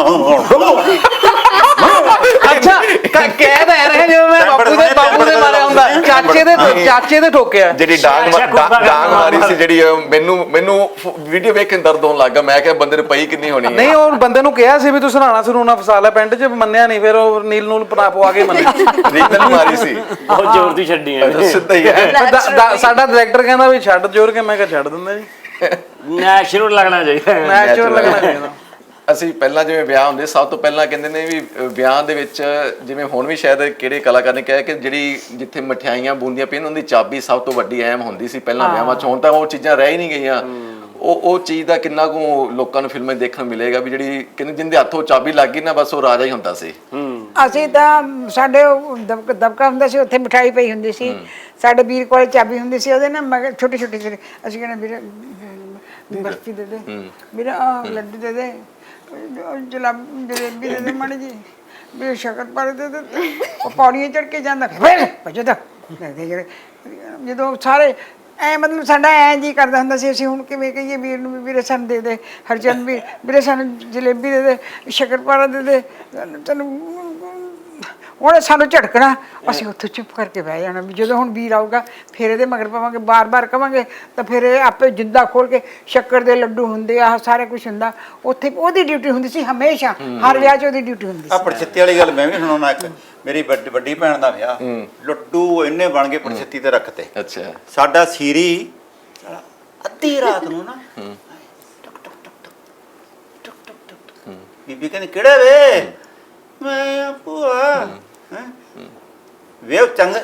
Speaker 6: ਅੱਛਾ, ਕ- ਕਹਿ ਤਾਂ ਰਹੇ ਜਿਵੇਂ ਮੈਂ ਬਾਪੂ ਦੇ ਬਾਪੂ ਦੇ ਮਾਰਿਆ ਹੁੰਦਾ, ਚਾਚੇ ਦੇ ਚਾਚੇ ਦੇ ਠੋਕਿਆ।
Speaker 2: ਜਿਹੜੀ ਡਾਂਗ ਡਾਂਗ ਡਾਂਗ ਮਾਰੀ ਸੀ ਜਿਹੜੀ, ਉਹ ਮੈਨੂੰ ਮੈਨੂੰ ਵੀਡੀਓ ਵੇਖ ਕੇ ਦਰਦ ਹੋਣ ਲੱਗਾ। ਮੈਂ ਕਿਹਾ ਬੰਦੇ ਨੂੰ ਪਈ ਕਿੰਨੀ ਹੋਣੀ ਹੈ।
Speaker 6: ਨਹੀਂ, ਉਹ ਬੰਦੇ ਨੂੰ ਕਿਹਾ ਸੀ ਵੀ ਤੂੰ ਸਰਾਣਾ ਸਰੂਣਾ ਫਸਾ ਲੈ ਪਿੰਡ 'ਚ, ਮੰਨਿਆ ਨਹੀਂ। ਫਿਰ ਉਹ ਨੀਲ ਨੂਲ ਪਨਾ ਪਵਾ ਕੇ ਮੰਨਿਆ।
Speaker 2: ਰੀਤਲ ਮਾਰੀ ਸੀ,
Speaker 8: ਬਹੁਤ ਜ਼ੋਰ ਦੀ ਛੱਡੀ ਆ
Speaker 2: ਸਿੱਧਾ ਹੀ ਹੈ।
Speaker 6: ਫਿਰ ਦਾ- ਦਾ- ਸਾਡਾ ਡਾਇਰੈਕਟਰ ਕਹਿੰਦਾ ਵੀ ਛੱਡ ਜੋਰ ਕੇ, ਮੈਂ ਕਿਹਾ ਛੱਡ ਦਿੰਦਾ ਜੀ,
Speaker 8: ਨੈਚੁਰਲ ਲੱਗਣਾ ਚਾਹੀਦਾ।
Speaker 6: ਨੈਚੁਰਲ ਲੱਗਣਾ ਚਾਹੀਦਾ।
Speaker 2: ਅਸੀਂ ਪਹਿਲਾਂ ਜਿਵੇਂ ਵਿਆਹ ਹੁੰਦੇ, ਸਭ ਤੋਂ ਪਹਿਲਾਂ ਕਹਿੰਦੇ ਨੇ ਵੀ ਅਹ, ਵਿਆਹ ਦੇ ਵਿੱਚ ਜਿਵੇਂ ਹੁਣ ਵੀ ਸ਼ਾਇਦ ਕਿਹੜੇ ਕਲਾਕਾਰ ਨੇ ਕਿਹਾ ਕਿ ਜਿਹੜੀ ਜਿੱਥੇ ਮਠਿਆਈਆਂ ਬੂੰਦੀਆਂ ਪਈਆਂ ਉਹਦੀ ਚਾਬੀ ਸਭ ਤੋਂ ਵੱਡੀ ਅਹਿਮ ਹੁੰਦੀ ਸੀ ਪਹਿਲਾਂ ਵਿਆਹਾਂ 'ਚ। ਹੁਣ ਤਾਂ ਉਹ ਚੀਜ਼ਾਂ ਰਹਿ ਹੀ ਨਹੀਂ ਗਈਆਂ। ਉਹ ਉਹ ਚੀਜ਼ ਦਾ ਕਿੰਨਾ ਕੁ ਲੋਕਾਂ ਨੂੰ ਫਿਲਮਾਂ 'ਚ ਦੇਖਣ ਨੂੰ ਮਿਲੇਗਾ ਵੀ ਜਿਹੜੀ ਕਹਿੰਦੇ ਜਿੰਦੇ ਹੱਥੋਂ ਚਾਬੀ ਲੱਗ ਗਈ ਨਾ, ਬਸ ਉਹ ਰਾਜਾ ਹੀ ਹੁੰਦਾ ਸੀ।
Speaker 4: ਅਸੀਂ ਤਾਂ ਸਾਡੇ ਉਹ ਦਬਕ ਦਬਕਾ ਹੁੰਦਾ ਸੀ, ਉੱਥੇ ਮਿਠਾਈ ਪਈ ਹੁੰਦੀ ਸੀ। ਸਾਡੇ ਵੀਰ ਕੋਲੇ ਚਾਬੀ ਹੁੰਦੀ ਸੀ, ਉਹਦੇ ਨਾਲ ਮਗਰ ਛੋਟੀ ਛੋਟੀ ਜਿਹੀ ਅਸੀਂ ਕਹਿੰਦੇ ਵੀਰੇ ਬਰਫੀ ਦੇ ਦੇ, ਵੀਰੇ ਆਹ ਲੱਡੂ ਦੇ ਦੇ, ਜਲਾਬੀ ਜਲੇਬੀ ਦੇ ਦੇ ਮਾੜੀ ਜੀ, ਵੀ ਸ਼ਕਰ ਪਾਰੇ ਦੇ ਦੇ। ਉਹ ਪੌੜੀਆਂ ਚੜ ਕੇ ਜਾਂਦਾ, ਫਿਰ ਭਜਦਾ। ਜਦੋਂ ਸਾਰੇ ਐ ਮਤਲਬ ਸਾਡਾ ਐ ਜੀ ਕਰਦਾ ਹੁੰਦਾ ਸੀ ਅਸੀਂ ਹੁਣ ਕਿਵੇਂ ਕਹੀਏ ਵੀਰ ਨੂੰ ਵੀ ਵੀਰੇ ਸਾਨੂੰ ਦੇ ਦੇ ਹਰਚੰਦ ਵੀ ਵੀਰੇ ਸਾਨੂੰ ਜਲੇਬੀ ਦੇ ਦੇ ਸ਼ੱਕਰਪਾਰਾ ਦੇ ਦੇ ਤੈਨੂੰ ਉਹਨੇ ਸਾਨੂੰ ਝਟਕਣਾ ਅਸੀਂ ਉੱਥੇ ਚੁੱਪ ਕਰਕੇ ਬਹਿ ਜਾਣਾ ਵੀ ਜਦੋਂ ਹੁਣ ਵੀਰ ਆਊਗਾ ਫਿਰ ਇਹਦੇ ਮਗਰ ਪਾਵਾਂਗੇ ਬਾਰ-ਬਾਰ ਕਵਾਂਗੇ ਤਾਂ ਫਿਰ ਇਹ ਆਪੇ ਜਿੰਦਾ ਖੋਲ ਕੇ ਸ਼ੱਕਰ ਦੇ ਲੱਡੂ ਹੁੰਦੇ ਆ ਸਾਰਾ ਕੁਝ ਹੁੰਦਾ ਉੱਥੇ ਉਹਦੀ ਡਿਊਟੀ ਹੁੰਦੀ ਸੀ ਹਮੇਸ਼ਾ ਹਰ ਵਿਆਹ 'ਚ ਉਹਦੀ ਡਿਊਟੀ ਹੁੰਦੀ
Speaker 5: ਆ
Speaker 4: ਸੀ।
Speaker 5: ਪੜਛੱਤੀ ਵਾਲੀ ਗੱਲ ਮੈਂ ਵੀ ਸੁਣਾਉਣਾ ਇੱਕ ਮੇਰੀ ਵੱਡ- ਵੱਡੀ ਭੈਣ ਦਾ ਵਿਆਹ ਲੱਡੂ ਇੰਨੇ ਬਣ ਗਏ ਪੜਛੱਤੀ ਤੇ ਰੱਖਤੇ
Speaker 2: ਅੱਛਾ
Speaker 5: ਸਾਡਾ ਸੀਰੀ ਸਾਲਾ ਅੱਧੀ ਰਾਤ ਨੂੰ ਨਾ ਟਕ ਟਕ ਟਕ ਟਕ ਟਕ ਟਕ ਟਕ ਟਕ ਬੀਬੀ ਕਹਿੰਦੀ ਕਿਹੜਾ ਵੇ ਮੈਂ ਭੂਆ ਹੈਂ ਵੇ ਚੰਗ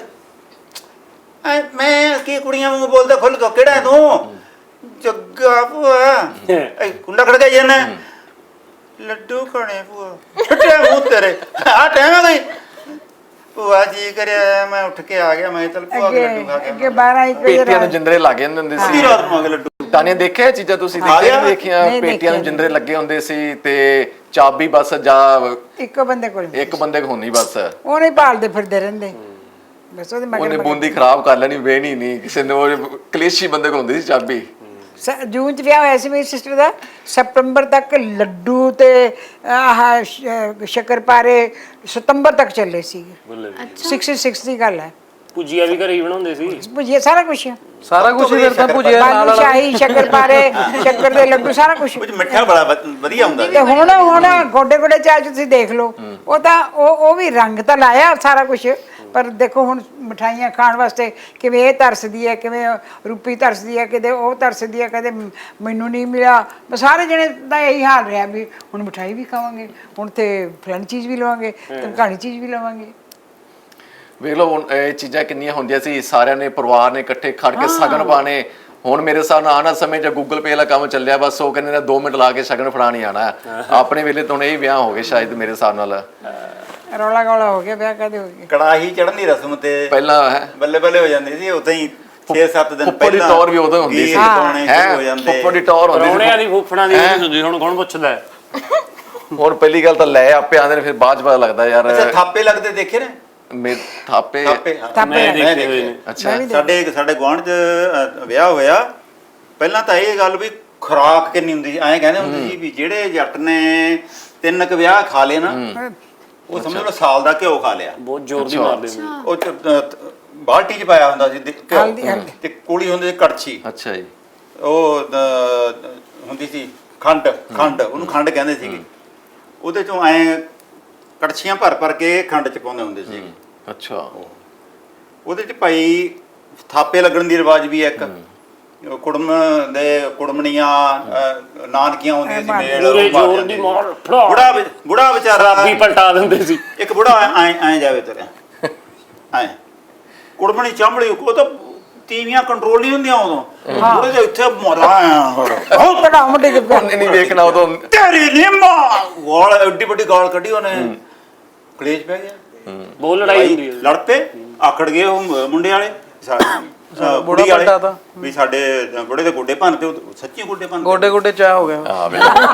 Speaker 5: ਐ ਮੈਂ ਕੀ ਕੁੜੀਆਂ ਵਾਂਗੂ ਬੋਲਦਾ ਖੁੱਲ ਕੇ ਕਿਹੜਾ ਹੈ ਤੂੰ ਜੱਗਾ ਭੂਆ ਐ ਕੁੰਡਾ ਖੜ ਗਿਆ ਜਨ ਲੱਡੂ ਖਾਣੇ ਭੂਆ ਛੱਟਿਆ ਮੂੰਹ ਤੇਰੇ ਆ ਟਾਈਮ ਆ ਗਈ ਭੂਆ ਜੀ ਕਰਿਆ ਮੈਂ ਉੱਠ ਕੇ ਆ ਗਿਆ ਮੈਂ ਚਲ ਭੂਆ ਦੇ ਲੱਡੂ ਖਾ
Speaker 4: ਅੱਗੇ
Speaker 5: ਕੇ
Speaker 4: ਬਾਰਾਂ ਇੱਕ ਵਜੇ
Speaker 2: ਪੇਟੀਆਂ ਨੂੰ
Speaker 4: ਰਾਤ
Speaker 2: ਜਿੰਦਰੇ ਲੱਗ ਜਾਂਦੇ ਹੁੰਦੇ
Speaker 5: ਅੱਧੀ
Speaker 2: ਸੀ
Speaker 5: ਰਾਤ ਨੂੰ ਆ ਕੇ ਲੱਡੂ
Speaker 2: ਤਾਨੀਆਂ ਦੇਖਿਆ ਇਹ ਚੀਜ਼ਾਂ ਤੁਸੀਂ
Speaker 5: ਹਾਂ।
Speaker 2: ਦੇਖੀਆਂ ਨਹੀਂ ਦੇਖੀਆਂ
Speaker 4: ਨਹੀਂ
Speaker 2: ਪੇਟੀਆਂ ਨੂੰ
Speaker 4: ਦੇਖੀਆਂ।
Speaker 2: ਜਿੰਦਰੇ ਲੱਗੇ ਹੁੰਦੇ ਸੀ ਤੇ ਚਾਬੀ ਬਸ ਜਾਂ
Speaker 4: ਇੱਕੋ ਬੰਦੇ ਕੋਲ
Speaker 2: ਇੱਕ ਬੰਦੇ ਕੋਲ ਹੁੰਦੀ ਬਸ
Speaker 4: ਉਹਨੇ ਹੀ ਭਾਲਦੇ ਫਿਰਦੇ ਰਹਿੰਦੇ ਬਸ ਉਹਦੇ ਮਗਰ
Speaker 2: ਉਹਨੇ
Speaker 4: ਮਗਰ
Speaker 2: ਬੂੰਦੀ ਖਰਾਬ ਕਰ ਲੈਣੀ ਵੇਣੀ ਨਹੀਂ ਕਿਸੇ ਨੇ ਉਹ ਕਲੇਸ਼ੀ ਬੰਦੇ ਕੋਲ ਹੁੰਦੀ ਸੀ ਚਾਬੀ
Speaker 4: ਸ- ਜੂਨ ਚ ਵਿਆਹ ਹੋਇਆ ਸੀ ਮੇਰੀ ਸਿਸਟਰ ਦਾ ਸਤੰਬਰ ਤੱਕ ਲੱਡੂ ਤੇ ਆਹ ਸ਼- ਸ਼ੱਕਰਪਾਰੇ ਸਤੰਬਰ ਤੱਕ ਚੱਲੇ ਸੀ ਛਿਆਸੀ ਦੀ ਗੱਲ ਹੈ
Speaker 8: ਭੁਜੀਆ ਵੀ ਘਰੇ ਹੀ ਬਣਾਉਂਦੇ ਸੀ
Speaker 4: ਭੁਜੀਆ ਸਾਰਾ ਕੁਝ
Speaker 6: ਸਾਰਾ ਕੁਝ ਫਿਰ ਤਾਂ ਭੁਜਿਆ ਨਾਲ
Speaker 4: ਬਾਲੂ
Speaker 6: ਵਾਲਾ
Speaker 4: ਸ਼ਾਹੀ ਸ਼ੱਕਰਪਾਰੇ ਸ਼ੱਕਰ ਦੇ ਲੱਡੂ ਸਾਰਾ ਕੁਝ
Speaker 5: ਕੁਝ ਮਿੱਠਾ ਬੜਾ ਵ- ਵਧੀਆ ਹੁੰਦਾ ਸੀ
Speaker 4: ਤੇ ਹੁਣ ਹੁਣ ਗੋਡੇ ਗੋਡੇ ਚਾਹ 'ਚ ਤੁਸੀਂ ਦੇਖ ਲਓ ਉਹ ਤਾਂ ਉਹ ਉਹ ਵੀ ਰੰਗ ਤਾਂ ਲਾਇਆ ਸਾਰਾ ਕੁਝ ਪਰ ਦੇਖੋ ਹੁਣ ਮਠਾਈਆਂ ਖਾਣ ਵਾਸਤੇ ਕਿਵੇਂ ਇਹ ਤਰਸਦੀ ਹੈ ਕਿਵੇਂ ਰੂਪੀ ਤਰਸਦੀ ਹੈ ਕਿਤੇ ਉਹ ਤਰਸਦੀ ਹੈ ਕਦੇ ਮੈਨੂੰ ਨਹੀਂ ਮਿਲਿਆ ਬਸ ਸਾਰੇ ਜਣੇ ਦਾ ਇਹੀ ਹਾਲ ਰਿਹਾ ਵੀ ਹੁਣ ਮਠਾਈ ਵੀ ਖਾਵਾਂਗੇ ਹੁਣ ਤੇ ਫਲਾਣੀ ਚੀਜ਼ ਵੀ ਲਵਾਂਗੇ ਤੇ ਕਹਾਣੀ ਚੀਜ਼ ਵੀ ਲਵਾਂਗੇ
Speaker 2: ਵੇਖ ਲਓ ਹੁਣ ਇਹ ਚੀਜ਼ਾਂ ਕਿੰਨੀਆਂ ਹੁੰਦੀਆਂ ਸੀ ਸਾਰਿਆਂ ਨੇ ਪਰਿਵਾਰ ਨੇ ਇਕੱਠੇ ਖੜ ਕੇ ਸ਼ਗਨ ਪਾਣੇ ਹੁਣ ਮੇਰੇ ਹਿਸਾਬ ਨਾਲ ਆਣਾ ਸਮੇਂ 'ਚ ਗੂਗਲ ਪੇ ਵਾਲਾ ਕੰਮ ਚੱਲਿਆ ਬਸ ਉਹ ਕਹਿੰਦੇ ਨੇ ਦੋ ਮਿੰਟ ਲਾ ਕੇ ਸ਼ਗਨ ਫੜਾ ਨਹੀਂ ਆਣਾ ਆਪਣੇ ਵੇਲੇ ਤਾਂ ਹੁਣ ਇਹ ਵਿਆਹ ਹੋ ਗਏ ਸ਼ਾਇਦ ਮੇਰੇ ਹਿਸਾਬ ਨਾਲ
Speaker 4: ਰੌਲਾ ਗੌਲਾ ਹੋ ਗਿਆ ਵਿਆਹ ਕਦੇ ਹੋ ਗਿਆ
Speaker 5: ਕੜਾਹੀ ਚੜਨ ਦੀ ਰਸਮ ਤੇ
Speaker 2: ਪਹਿਲਾਂ ਹੈ
Speaker 5: ਬੱਲੇ ਬੱਲੇ ਹੋ ਜਾਂਦੀ ਸੀ ਉਦਾਂ ਹੀ ਛੇ ਸੱਤ ਦਿਨ
Speaker 2: ਫੁੱਫੜ ਦੀ ਟੌਰ ਵੀ ਉਦੋਂ ਹੁੰਦੀ ਸੀ
Speaker 5: ਪਾਉਣੇ
Speaker 2: ਹੈ
Speaker 5: ਸ਼ੁਰੂ ਹੋ ਜਾਂਦੇ
Speaker 2: ਫੁੱਫੜ ਦੀ ਟੌਰ ਹੁੰਦੀ
Speaker 8: ਪਰੌਣਿਆਂ
Speaker 2: ਸੀ
Speaker 8: ਦੀ ਫੁੱਫੜਾਂ ਦੀ ਨਹੀਂ ਹੁੰਦੀ ਹੁਣ ਕੌਣ ਪੁੱਛਦਾ ਹੈ?
Speaker 2: ਹੁਣ ਪਹਿਲੀ ਗੱਲ ਤਾਂ ਲੈ ਆਪੇ ਆਂਦੇ ਨੇ ਫਿਰ ਬਾਅਦ ਚ ਪਤਾ ਲੱਗਦਾ ਯਾਰ
Speaker 5: ਅੱਛਾ ਥਾਪੇ ਲੱਗਦੇ ਦੇਖੇ ਨੇ
Speaker 2: ਮੇ ਥਾਪੇ
Speaker 5: ਥਾਪੇ ਹਾਂ।
Speaker 4: ਥਾਪੇ
Speaker 8: ਮੈਂ
Speaker 4: ਲੱਗਦੇ।
Speaker 8: ਦੇਖੇ ਹੋਏ ਨੇ
Speaker 2: ਅੱਛਾ
Speaker 5: ਸਾਡੇ ਸਾਡੇ ਗੁਆਂਢ 'ਚ ਅ, ਵਿਆਹ ਹੋਇਆ ਪਹਿਲਾਂ ਤਾਂ ਇਹ ਗੱਲ ਵੀ ਖੁਰਾਕ ਕਿੰਨੀ ਹੁੰਦੀ ਸੀ ਐਂ ਕਹਿੰਦੇ ਹੁੰਦੇ ਸੀ ਵੀ ਜਿਹੜੇ ਜੱਟ ਨੇ ਤਿੰਨ ਕੁ ਵਿਆਹ ਖਾ ਲਏ ਨਾ ਉਹ ਸਮਝ ਲਓ ਸਾਲ ਦਾ ਘਿਓ ਖਾ ਲਿਆ
Speaker 8: ਬਹੁਤ ਜ਼ੋਰ ਦੀ ਮਾਰਦੇ ਹੁੰਦੇ
Speaker 5: ਉਹ 'ਚ, ਅ, ਬਾਲਟੀ 'ਚ ਪਾਇਆ ਹੁੰਦਾ ਸੀ ਦੇ-
Speaker 4: ਹਲਦੀ-
Speaker 5: ਘਿਓ
Speaker 4: ਹਲਦੀ।
Speaker 5: ਤੇ ਕੋਲੀ ਹੁੰਦੀ ਸੀ ਕੜਛੀ
Speaker 2: ਅੱਛਾ ਜੀ
Speaker 5: ਉਹ ਅ, ਹੁੰਦੀ ਸੀ ਖੰਡ ਖੰਡ ਉਹਨੂੰ ਖੰਡ ਕਹਿੰਦੇ ਸੀਗੇ ਉਹਦੇ ਚੋਂ ਐ ਕੜਛੀਆਂ ਭਰ ਭਰ ਕੇ ਖੰਡ 'ਚ ਪਾਉਂਦੇ ਹੁੰਦੇ ਸੀ
Speaker 2: ਅੱਛਾ
Speaker 5: ਉਹਦੇ 'ਚ ਭਾਈ ਥਾਪੇ ਲੱਗਣ ਦੀ ਰਿਵਾਜ ਵੀ ਹੈ ਇੱਕ ਉਹ ਕੁੜਮ ਦੇ ਕੁੜਮਣੀਆਂ ਅ, ਨਾਨਕੀਆਂ ਹੁੰਦੀਆਂ ਸੀ ਮੇਲ
Speaker 8: ਪੂਰੇ
Speaker 5: ਉਹ ਮਾਰ
Speaker 8: ਜ਼ੋਰ
Speaker 5: ਜਾਂਦੇ
Speaker 8: ਦੀ
Speaker 5: ਸੀ।
Speaker 8: ਮਾਰ ਫੜਾ
Speaker 5: ਬੁੜਾ ਵਿ- ਬੁੜਾ ਵਿਚਾਰਾ
Speaker 8: ਵੀ ਪਲਟਾ ਦਿੰਦੇ ਸੀ
Speaker 5: ਇੱਕ ਬੁੜਾ ਐ ਐ ਜਾਵੇ ਤੁਰਿਆ ਐ ਕੁੜਮਣੀ ਚਾਂਬੜੀ ਉਹ ਤਾਂ ਤੀਵੀਆਂ ਕੰਟਰੋਲ ਨਹੀਂ ਹੁੰਦੀਆਂ ਉਦੋਂ ਬੁੜੇ ਦੇ ਇੱਥੇ ਮਰਾ
Speaker 4: ਬਹੁਤ ਬੜਾ ਮੁੰਡੇ ਦੇ ਪਿਆ
Speaker 2: ਉਹਨੇ ਨਹੀਂ ਵੇਖਣਾ ਉਦੋਂ
Speaker 5: ਤੇਰੀ ਨਿੰਮਾ ਗਾਲ ਐਡੀ ਵੱਡੀ ਗਾਲ ਕੱਢੀ ਉਹਨੇ ਕਲੇਸ਼ ਪੈ ਗਿਆ
Speaker 8: ਬਹੁਤ ਲੜਾਈ ਹੁੰਦੀ ਹੈ
Speaker 5: ਲੜ ਪਏ ਆਖੜ ਗਏ ਉਹ ਮੁੰਡੇ ਵਾਲੇ ਸਾ- ਅ,
Speaker 6: ਬੁੜਾ
Speaker 5: ਕੁੜੀ ਵਾਲੇ
Speaker 6: ਵੱਡਾ ਤਾਂ।
Speaker 5: ਵੀ ਸਾਡੇ ਬੁੜੇ ਦੇ ਗੋਡੇ ਭੰਨਤੇ ਉਹ ਸੱਚੀ ਗੋਡੇ ਭੰਨਤੇ
Speaker 6: ਗੋਡੇ ਗੋਡੇ ਚਾਹ ਹੋ ਗਿਆ
Speaker 2: ਹਾਂ ਵੇ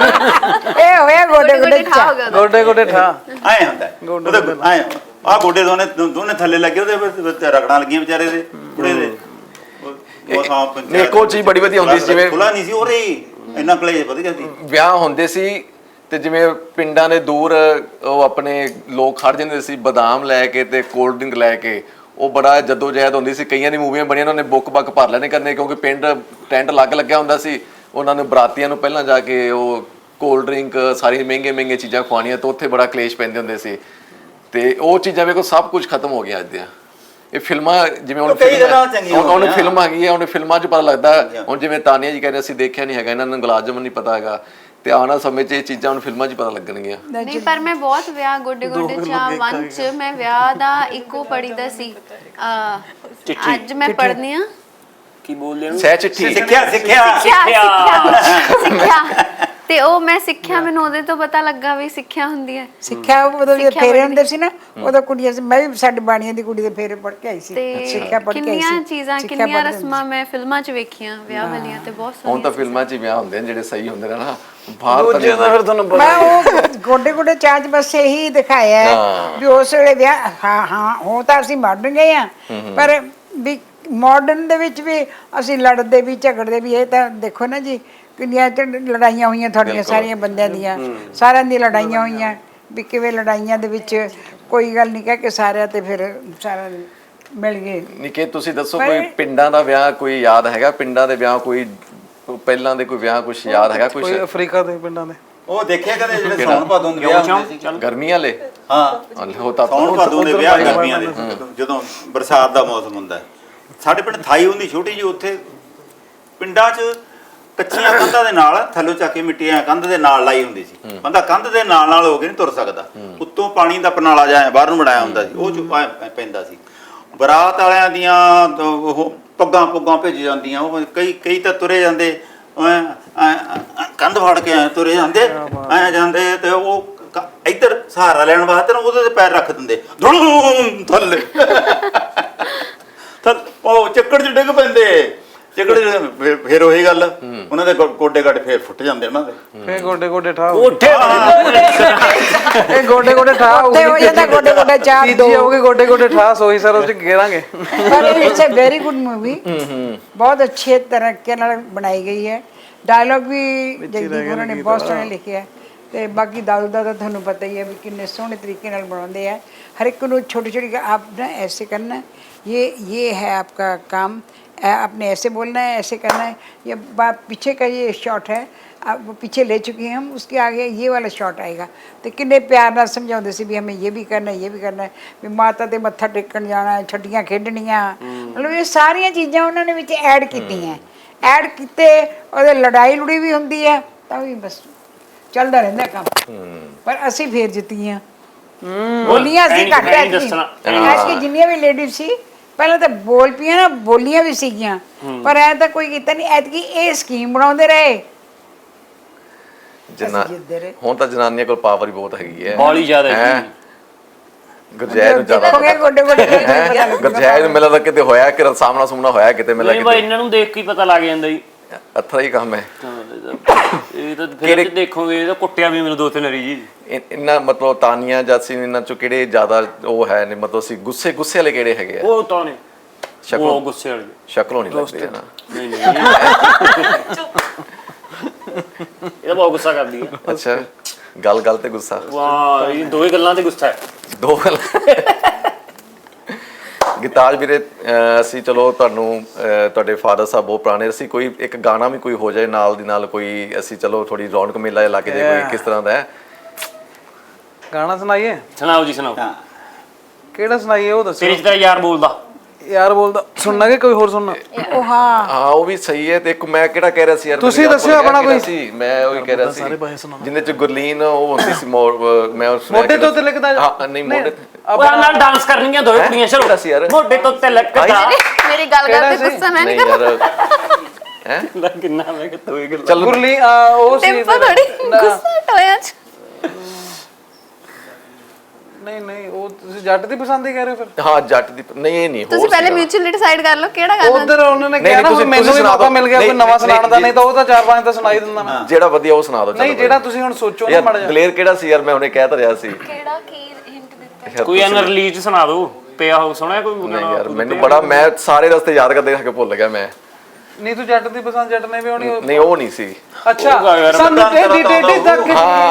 Speaker 4: ਇਹ ਹੋਇਆ ਗੋਡੇ ਗੋਡੇ
Speaker 9: ਠਾ ਹੋ ਗਿਆ
Speaker 6: ਗੋਡੇ ਗੋਡੇ ਠਾ
Speaker 5: ਆਏ ਹੁੰਦਾ
Speaker 6: ਗੋਡੇ
Speaker 5: ਉਹਦੇ ਆਏ ਆ ਗੋਡੇ ਦੋਨੇ ਦੋਨੇ ਥੱਲੇ ਲੱਗੇ ਉਹਦੇ ਵਿੱਚ ਰਗੜਾਂ ਲੱਗੀਆਂ ਵਿਚਾਰੇ ਦੇ ਬੁੜੇ ਦੇ ਉਹ- ਉਹ ਸਾਂ ਪੰਚਾਇਤ
Speaker 2: ਨਹੀਂ, ਇੱਕ ਉਹ ਚੀਜ਼ ਬੜੀ ਵਧੀਆ ਹੁੰਦੀ ਸੀ ਜਿਵੇਂ-
Speaker 5: ਖੁੱਲਾ ਨਹੀਂ ਸੀ ਉਹ ਰਹੀ ਇੰਨਾ ਕਲੇਸ਼ ਵਧੀਆ ਸੀ
Speaker 2: ਵਿਆਹ ਹੁੰਦੇ ਸੀ ਤੇ ਜਿਵੇਂ ਪਿੰਡਾਂ ਦੇ ਦੂਰ ਉਹ ਆਪਣੇ ਲੋਕ ਖੜ ਜਾਂਦੇ ਸੀ ਬਦਾਮ ਲੈ ਕੇ ਤੇ ਕੋਲਡ ਡਰਿੰਕ ਲੈ ਕੇ ਉਹ ਬੜਾ ਜੱਦੋ ਜਹਿਦ ਹੁੰਦੀ ਸੀ ਕਈਆਂ ਦੀ ਮੂਵੀਆਂ ਬਣੀਆਂ ਉਹਨਾਂ ਨੇ ਬੁੱਕ ਬੱਕ ਭਰ ਲੈਣੇ ਕਰਨੇ ਕਿਉਂਕਿ ਪਿੰਡ ਟੈਂਟ ਲੱਗ ਲੱਗਿਆ ਹੁੰਦਾ ਸੀ ਉਹਨਾਂ ਨੂੰ ਬਰਾਤੀਆਂ ਨੂੰ ਪਹਿਲਾਂ ਜਾ ਕੇ ਉਹ ਕੋਲਡ ਡਰਿੰਕ ਸਾਰੀ ਮਹਿੰਗੇ ਮਹਿੰਗੇ ਚੀਜ਼ਾਂ ਖਵਾਉਣੀਆਂ ਤੇ ਉੱਥੇ ਬੜਾ ਕਲੇਸ਼ ਪੈਂਦੇ ਹੁੰਦੇ ਸੀ ਤੇ ਉਹ ਚੀਜ਼ਾਂ ਵੇਖੋ ਸਭ ਕੁਝ ਖਤਮ ਹੋ ਗਿਆ ਅੱਜ ਦੀਆਂ ਇਹ ਫਿਲਮਾਂ ਜਿਵੇਂ ਹੁਣ
Speaker 5: ਉਹ ਕਈ
Speaker 2: ਫਿਲਮਾਂ-
Speaker 5: ਜਗ੍ਹਾ ਚੰਗੀਆਂ
Speaker 2: ਹੁਣ- ਹੁਣ
Speaker 5: ਹੋਈਆਂ।
Speaker 2: ਫਿਲਮ ਆ ਗਈ ਹੈ ਹੁਣ ਫਿਲਮਾਂ 'ਚ ਪਤਾ ਲੱਗਦਾ ਹੁਣ ਜਿਵੇਂ ਤਾਨੀਆ ਜੀ ਕਹਿੰਦੇ ਅਸੀਂ ਦੇਖਿਆ ਨਹੀਂ ਹੈਗਾ ਇਹਨਾਂ ਨੂੰ ਗੁਲਾਬ ਨਹੀਂ ਪਤਾ ਹੈਗਾ ਤੇ ਆਉਣਾ ਸਮੇਂ 'ਚ ਇਹ ਚੀਜ਼ਾਂ ਹੁਣ ਫਿਲਮਾਂ 'ਚ ਪਤਾ ਲੱਗਣਗੀਆਂ
Speaker 9: ਨਹੀਂ ਪਰ ਮੈਂ ਬਹੁਤ ਵਿਆਹ ਗੋਡੇ ਗੋਡੇ ਚਾ ਵਨ ਚ ਮੈਂ ਵਿਆਹ ਦਾ ਇੱਕੋ ਪੜੀਦਾ ਸੀ ਅਹ, ਅੱਜ ਮੈਂ ਪੜ੍ਹਨੀ ਆ
Speaker 8: ਕੀ ਬੋਲਦੇ ਨੇ
Speaker 2: ਸਹਿ ਚਿੱਠੀ
Speaker 5: ਸਿੱਖਿਆ ਸਿੱਖਿਆ
Speaker 9: ਸਿੱਖਿਆ ਸਿੱਖਿਆ ਤੇ ਉਹ ਮੈਂ ਸਿੱਖਿਆ ਮੈਨੂੰ ਉਹਦੇ ਤੋਂ ਪਤਾ ਲੱਗਾ ਵੀ ਸਿੱਖਿਆ ਹੁੰਦੀ ਹੈ
Speaker 4: ਸਿੱਖਿਆ ਉਦੋਂ ਜੇ ਫੇਰੇ ਹੁੰਦੇ ਸੀ ਨਾ ਉਦੋਂ ਕੁੜੀਆਂ ਸੀ ਮੈਂ ਵੀ ਸਾਡੀ ਬਾਣੀਆਂ ਦੀ ਕੁੜੀ ਦੇ ਫੇਰੇ ਪੜ ਕੇ ਆਈ ਸੀ
Speaker 9: ਤੇ
Speaker 4: ਸਿੱਖਿਆ ਪੜ ਕੇ ਆਈ ਸੀ
Speaker 9: ਕਿੰਨੀਆਂ ਚੀਜ਼ਾਂ
Speaker 4: ਸਿੱਖਿਆ
Speaker 9: ਕਿੰਨੀਆਂ
Speaker 4: ਪੜ੍ਹਦੇ
Speaker 9: ਰਸਮਾਂ ਮੈਂ ਫਿਲਮਾਂ 'ਚ ਵੇਖੀਆਂ ਵਿਆਹ ਵਾਲੀਆਂ ਤੇ ਬਹੁਤ
Speaker 2: ਹੁਣ
Speaker 9: ਸੋਹਣੀਆਂ
Speaker 2: ਤਾਂ ਫਿਲਮਾਂ 'ਚ ਹੀ ਵਿਆਹ ਹੁੰਦੇ ਨੇ ਜਿਹੜੇ ਸਹੀ ਹੁੰਦੇ ਨੇ ਨਾ ਬਾਹਰ ਤਾਂ
Speaker 6: ਦੂਜੇ ਦਾ ਫਿਰ ਤੁਹਾਨੂੰ ਪਤਾ
Speaker 4: ਮੈਂ ਉਹ ਗੋਡੇ ਗੋਡੇ ਚਾਚ ਬਸ ਇਹੀ ਦਿਖਾਇਆ ਹੈ ਵੀ ਉਸ ਵੇਲੇ ਵਿਆਹ ਹਾਂ ਹਾਂ ਹੋ ਤਾਂ ਅਸੀਂ ਮਾਡਰਨ ਗਏ ਆ ਪਰ ਵੀ ਮਾਡਰਨ ਦੇ ਵਿੱਚ ਵੀ ਅਸੀਂ ਲੜਦੇ ਵੀ ਝਗੜਦੇ ਵੀ, ਇਹ ਤਾਂ ਦੇਖੋ ਨਾ ਜੀ ਕਿੰਨੀਆਂ ਤੇ ਲੜਾਈਆਂ ਹੋਈਆਂ ਤੁਹਾਡੀਆਂ ਸਾਰੀਆਂ ਬੰਦਿਆਂ ਦੀਆਂ, ਸਾਰਿਆਂ ਦੀ ਲੜਾਈਆਂ ਹੋਈਆਂ ਵੀ ਕਿਵੇਂ ਲੜਾਈਆਂ ਦੇ ਵਿੱਚ ਕੋਈ ਗੱਲ ਨਹੀਂ ਕਹਿ ਕੇ ਸਾਰਿਆਂ ਤੇ ਫਿਰ ਸਾਰਾ ਮਿਲ ਗਏ।
Speaker 2: ਨਿੱਕੇ ਤੁਸੀਂ ਦੱਸੋ ਕੋਈ ਪਿੰਡਾਂ ਦਾ ਵਿਆਹ ਕੋਈ ਯਾਦ ਹੈਗਾ? ਪਿੰਡਾਂ ਦੇ ਵਿਆਹ ਕੋਈ ਪਹਿਲਾਂ ਦੇ ਕੋਈ ਵਿਆਹ ਕੁਝ ਯਾਦ ਹੈਗਾ ਕੁਝ?
Speaker 6: ਕੋਈ ਅਫਰੀਕਾ ਦੇ ਪਿੰਡਾਂ ਦੇ
Speaker 5: ਉਹ ਦੇਖਿਆ ਕਦੇ ਜਿਹੜੇ ਸੌਣ ਭਾਦੋਂ ਦੇ ਵਿਆਹ ਹੁੰਦੇ ਸੀ?
Speaker 2: ਗਰਮੀਆਂ ਵਾਲੇ?
Speaker 5: ਹਾਂ
Speaker 2: ਹੋ ਤਾਂ
Speaker 5: ਸੌਣ ਭਾਦੋਂ ਦੇ ਵਿਆਹ ਗਰਮੀਆਂ ਦੇ, ਜਦੋਂ ਬਰਸਾਤ ਦਾ ਮੌਸਮ ਹੁੰਦਾ। ਸਾਡੇ ਪਿੰਡ ਥਾਈ ਹੁੰਦੀ ਛੋਟੀ ਜਿਹੀ, ਉੱਥੇ ਪਿੰਡਾਂ 'ਚ ਕੱਚੀਆਂ ਕੰਧਾਂ ਦੇ ਨਾਲ ਥੱਲੋਂ ਚੱਕ ਕੇ ਮਿੱਟੀਆਂ ਕੰਧ ਦੇ ਨਾਲ ਲਾਈ ਹੁੰਦੀ ਸੀ। ਬੰਦਾ ਕੰਧ ਦੇ ਨਾਲ ਨਾਲ ਹੋ ਕੇ ਨਹੀਂ ਤੁਰ ਸਕਦਾ, ਉੱਤੋਂ ਪਾਣੀ ਦਾ ਪਨਾਲਾ ਜਿਹਾ ਬਾਹਰ ਨੂੰ ਬਣਾਇਆ ਹੁੰਦਾ ਸੀ, ਉਹ 'ਚ ਪੈਂਦਾ ਸੀ। ਬਰਾਤ ਵਾਲਿਆਂ ਦੀਆਂ ਉਹ ਪੱਗਾਂ ਪੁੱਗਾਂ ਭੇਜ ਜਾਂਦੀਆਂ, ਉਹ ਕਈ ਕਈ ਤਾਂ ਤੁਰੇ ਜਾਂਦੇ ਕੰਧ ਫੜ ਕੇ ਐ ਤੁਰੇ ਜਾਂਦੇ ਐ ਜਾਂਦੇ, ਤੇ ਉਹ ਇੱਧਰ ਸਹਾਰਾ ਲੈਣ ਵਾਸਤੇ ਨਾ ਉਹਦੇ ਤੇ ਪੈਰ ਰੱਖ ਦਿੰਦੇ, ਧੂਮ ਥੱਲੇ ਉਹ ਚੱਕੜ 'ਚ ਡਿੱਗ ਪੈਂਦੇ। ਚੱਕੜ ਫਿਰ ਉਹੀ ਗੱਲ, ਉਹਨਾਂ ਦੇ ਗੋਡੇ ਗਾਡੇ ਫੇਰ ਫੁੱਟ ਜਾਂਦੇ ਉਹਨਾਂ ਦੇ,
Speaker 6: ਫੇਰ ਗੋਡੇ ਗੋਡੇ ਠਾ
Speaker 8: ਉੱਠੇ
Speaker 6: ਇਹ ਗੋਡੇ ਗੋਡੇ ਠਾ
Speaker 4: ਉੱਤੇ ਹੋ ਜਾਂਦਾ ਗੋਡੇ ਗੋਡੇ ਚਾਰ ਦੋ
Speaker 6: ਤੀਜੀ ਹੋਊਗੀ ਗੋਡੇ ਗੋਡੇ ਠਾ ਸੋਈ ਸਰ ਉਹ ਚ ਗੇਰਾਂਗੇ।
Speaker 4: पर it's a very good movie, बहुत अच्छे तरीके ਨਾਲ ਬਣਾਈ ਗਈ ਹੈ। ਡਾਇਲੌਗ ਵੀ ਜਗਦੀਪ ਹੋਰਾਂ ਨੇ ਬਹੁਤ ਸੋਹਣੇ ਲਿਖੇ ਹੈ, ਤੇ ਬਾਕੀ ਦਾਦੂ ਦਾ ਤਾਂ ਤੁਹਾਨੂੰ ਪਤਾ ਹੀ ਹੈ ਵੀ ਕਿੰਨੇ ਸੋਹਣੇ ਤਰੀਕੇ ਨਾਲ ਬਣਾਉਂਦੇ ਆ। ਹਰ ਇੱਕ ਨੂੰ ਛੋਟੀ ਛੋਟੀ आप ना ऐसे करना, ये ये है आपका काम, आपने ऐसे बोलना है, ऐसे करना है। ये बात पीछे का ये शॉट है, आप वो पीछे ले चुके हैं हम, उसके आगे ये वाला शॉट आएगा। तो किन्ने प्यार ਨਾਲ ਸਮਝਾਉਂਦੇ ਸੀ ਵੀ ਹमें ये भी करना है, ये भी करना है, ਵੀ ਮਾਤਾ ਤੇ ਮੱਥਾ ਟੇਕਣ ਜਾਣਾ, ਛੱਡੀਆਂ ਖੇਡਣੀਆਂ, ਮਤਲਬ ਇਹ ਸਾਰੀਆਂ ਚੀਜ਼ਾਂ ਉਹਨਾਂ ਨੇ ਵਿੱਚ ਐਡ ਕੀਤੀਆਂ। ਐਡ ਕੀਤੇ ਉਹਦੇ ਲੜਾਈ ਲੜੀ ਵੀ ਹੁੰਦੀ ਹੈ, ਤਾਂ ਵੀ ਬਸ ਚੱਲਦਾ ਰਹਿੰਦਾ ਕੰਮ। ਪਰ ਅਸੀਂ ਫੇਰ ਜਿੱਤੀਆਂ, ਬੋਲੀਆਂ ਅਸੀਂ ਘੱਟ ਐ ਕਿ ਜਿੰਨੀਆਂ ਵੀ ਲੇਡੀਜ਼ ਸੀ ਪਹਿਲਾਂ ਤਾਂ ਬੋਲ ਪਈਆਂ ਨਾ, ਬੋਲੀਆਂ ਵੀ ਸੀਗੀਆਂ, ਪਰ ਐ ਤਾਂ ਕੋਈ ਕੀਤਾ ਨਹੀਂ। ਐਤਕੀ ਇਹ ਸਕੀਮ ਬਣਾਉਂਦੇ ਰਹੇ,
Speaker 2: ਜਨਾ ਹੁਣ ਤਾਂ ਜਨਾਨੀਆਂ ਕੋਲ ਪਾਵਰ ਹੀ ਬਹੁਤ ਹੈਗੀ ਹੈ,
Speaker 8: ਬੋਲੀ ਜ਼ਿਆਦਾ ਹੈ।
Speaker 2: ਗੁਰਜੈਲ ਨੂੰ ਜ਼ਿਆਦਾ
Speaker 4: ਹੋ ਗਏ ਗੋਡੇ ਗੋਡੇ
Speaker 2: ਗੁਰਜੈਲ ਨੂੰ ਮਿਲਦਾ ਕਿਤੇ ਹੋਇਆ ਕਿ ਸਾਹਮਣਾ ਸੁਮਣਾ ਹੋਇਆ ਕਿਤੇ ਮਿਲਿਆ
Speaker 8: ਨਹੀਂ ਬਾਈ, ਇਹਨਾਂ ਨੂੰ ਦੇਖ ਕੇ ਹੀ ਪਤਾ ਲੱਗ ਜਾਂਦਾ ਜੀ,
Speaker 2: ਅੱਥਾ ਹੀ ਕੰਮ ਹੈ।
Speaker 8: ਇਹ ਤਾਂ ਫਿਰ ਦੇਖੋਗੇ ਇਹ ਤਾਂ ਕੁੱਟਿਆ ਵੀ ਮੈਨੂੰ ਦੋ ਤਿੰਨ ਵਾਰੀ ਜੀ।
Speaker 2: ਇੰਨਾ ਮਤਲਬ ਤਾਨੀਆਂ ਜਾਸੀ ਇਹਨਾਂ ਚੋਂ ਕਿਹੜੇ ਜ਼ਿਆਦਾ ਉਹ ਹੈ ਨੇ, ਮਤਲਬ ਸੀ ਗੁੱਸੇ ਗੁੱਸੇ ਵਾਲੇ ਕਿਹੜੇ ਹੈਗੇ ਆ?
Speaker 8: ਉਹ ਤਾਂ ਨੇ
Speaker 2: ਸ਼ਕਲੋਂ
Speaker 8: ਉਹ ਗੁੱਸੇ ਵਾਲੇ
Speaker 2: ਸ਼ਕਲੋਂ ਨਹੀਂ ਲੱਗਦੇ ਨਾ।
Speaker 8: ਨਹੀਂ ਨਹੀਂ ਇਹ ਬਹੁਤ ਗੁੱਸਾ ਕਰਦੀ ਹੈ।
Speaker 2: ਅੱਛਾ, ਗੱਲ ਗੱਲ ਤੇ ਗੁੱਸਾ,
Speaker 8: ਵਾਹ ਇਹ ਦੋਵੇਂ ਗੱਲਾਂ ਤੇ ਗੁੱਸਾ ਹੈ।
Speaker 2: ਦੋ ਗੱਲ। ਗਿਤਾਜ ਵੀਰੇ ਅਸੀਂ ਚਲੋ ਤੁਹਾਨੂੰ ਤੁਹਾਡੇ ਫਾਦਰ ਸਾਹਿਬ ਬਹੁਤ ਪੁਰਾਣੇ, ਅਸੀਂ ਕੋਈ ਇੱਕ ਗਾਣਾ ਵੀ ਕੋਈ ਹੋ ਜਾਏ ਨਾਲ ਦੀ ਨਾਲ ਕੋਈ, ਅਸੀਂ ਚਲੋ ਥੋੜੀ ਰੌਣਕ ਮੇਲਾ ਲੱਗ ਜਾਏ ਕੋਈ, ਕਿਸ ਤਰ੍ਹਾਂ ਦਾ ਹੈ
Speaker 6: ਗਾਣਾ ਸੁਣਾਈਏ?
Speaker 8: ਸੁਣਾਓ ਜੀ ਸੁਣਾਓ।
Speaker 6: ਕਿਹੜਾ ਸੁਣਾਈਏ ਉਹ ਦੱਸੋ।
Speaker 8: ਤੇਰੇ ਚ ਤੇਰਾ ਯਾਰ ਬੋਲਦਾ
Speaker 6: ਯਾਰ ਬੋਲਦਾ ਸੁਣਨਾ ਕਿ ਕੋਈ ਹੋਰ ਸੁਣਨਾ?
Speaker 4: ਉਹ ਹਾਂ
Speaker 2: ਹਾਂ ਉਹ ਵੀ ਸਹੀ ਹੈ। ਤੇ ਇੱਕ ਮੈਂ ਕਿਹੜਾ ਕਹਿ ਰਿਹਾ ਸੀ ਯਾਰ,
Speaker 6: ਤੁਸੀਂ ਦੱਸਿਓ ਆਪਣਾ ਕੋਈ
Speaker 2: ਸੀ, ਮੈਂ ਉਹ ਕਹਿ ਰਿਹਾ ਸੀ ਜਿੰਨੇ ਚ ਗੁਰਲੀਨ ਉਹ ਹੁੰਦੀ ਸੀ, ਮੈਂ
Speaker 6: ਮੋਢੇ ਤੋਂ ਤੇ ਲਿਖਦਾ।
Speaker 2: ਹਾਂ ਨਹੀਂ ਮੋਢੇ
Speaker 8: ਉਹ ਨਾਲ ਡਾਂਸ ਕਰਨੀਆਂ ਦੋਵੇਂ ਕੁੜੀਆਂ, ਚਲੋ
Speaker 2: ਸੀ ਯਾਰ
Speaker 8: ਮੋਢੇ ਤੋਂ ਤੇ ਲੱਗਦਾ।
Speaker 9: ਮੇਰੀ ਗੱਲ ਕਰਦੇ ਗੁੱਸਾ ਮੈਂ ਨਹੀਂ ਕਰਦਾ
Speaker 2: ਹੈ
Speaker 8: ਕਿੰਨਾ ਮੈਂ ਕਿ ਦੋਵੇਂ ਗੱਲਾਂ।
Speaker 2: ਚੱਲ
Speaker 6: ਗੁਰਲੀ ਉਹ ਸੀ
Speaker 9: ਟੈਂਪੋ ਥੋੜੀ ਗੁੱਸਾ ਟੋਇਆ ਚ।
Speaker 6: ਨਹੀਂ ਨਹੀਂ ਉਹ ਤੁਸੀਂ ਜੱਟ ਦੀ ਪਸੰਦ ਹੀ ਕਹਿ ਰਹੇ ਹੋ ਫਿਰ?
Speaker 2: ਹਾਂ ਜੱਟ ਦੀ ਨਹੀਂ, ਇਹ ਨਹੀਂ
Speaker 9: ਤੁਸੀਂ ਪਹਿਲੇ ਮਿਊਚੁਅਲੀ ਡਿਸਾਈਡ ਕਰ ਲਓ ਕਿਹੜਾ ਗਾਣਾ।
Speaker 6: ਉਧਰ ਉਹਨਾਂ ਨੇ ਕਿਹਾ ਨਾ ਮੈਨੂੰ ਵੀ ਮੌਕਾ ਮਿਲ ਗਿਆ ਕੋਈ ਨਵਾਂ ਸੁਣਾਉਣ ਦਾ, ਨਹੀਂ ਤਾਂ ਉਹ ਤਾਂ ਚਾਰ ਪੰਜ ਤਾਂ ਸੁਣਾਈ ਦਿੰਦਾ ਮੈਂ।
Speaker 2: ਜਿਹੜਾ ਵਧੀਆ ਉਹ ਸੁਣਾ ਦਿਓ।
Speaker 6: ਨਹੀਂ ਜਿਹੜਾ ਤੁਸੀਂ ਹੁਣ ਸੋਚੋ ਨਾ ਮਾੜਾ ਜਿਹਾ।
Speaker 2: ਦਲੇਰ ਕਿਹੜਾ ਸੀ ਯਾਰ, ਮੈਂ ਹੁਣੇ ਕਹਿ ਤਾਂ ਰਿਹਾ ਸੀ।
Speaker 7: ਕਿਹੜਾ ਕੀ ਹਿੰਟ ਦਿੱਤਾ?
Speaker 8: ਕੋਈ ਐਨ ਰਿਲੀਜ਼ ਸੁਣਾ ਦਿਓ, ਪਿਆ ਹੋ ਸੁਣਿਆ ਕੋਈ?
Speaker 2: ਨਹੀਂ ਯਾਰ ਮੈਨੂੰ ਬੜਾ, ਮੈਂ ਸਾਰੇ ਰਸਤੇ ਯਾਦ ਕਰਦੇ ਕੇ ਭੁੱਲ ਗਿਆ ਮੈਂ।
Speaker 6: ਨਹੀਂ ਤੂੰ ਜੱਟ ਦੀ ਪਸੰਦ ਜੱਟ ਨੇ ਵੀ ਹੋਣੀ।
Speaker 2: ਨਹੀਂ ਉਹ ਨਹੀਂ ਸੀ।
Speaker 6: ਅੱਛਾ ਸਾਨੂੰ ਟੇਢੀ ਟੇਢੀ ਤੱਕ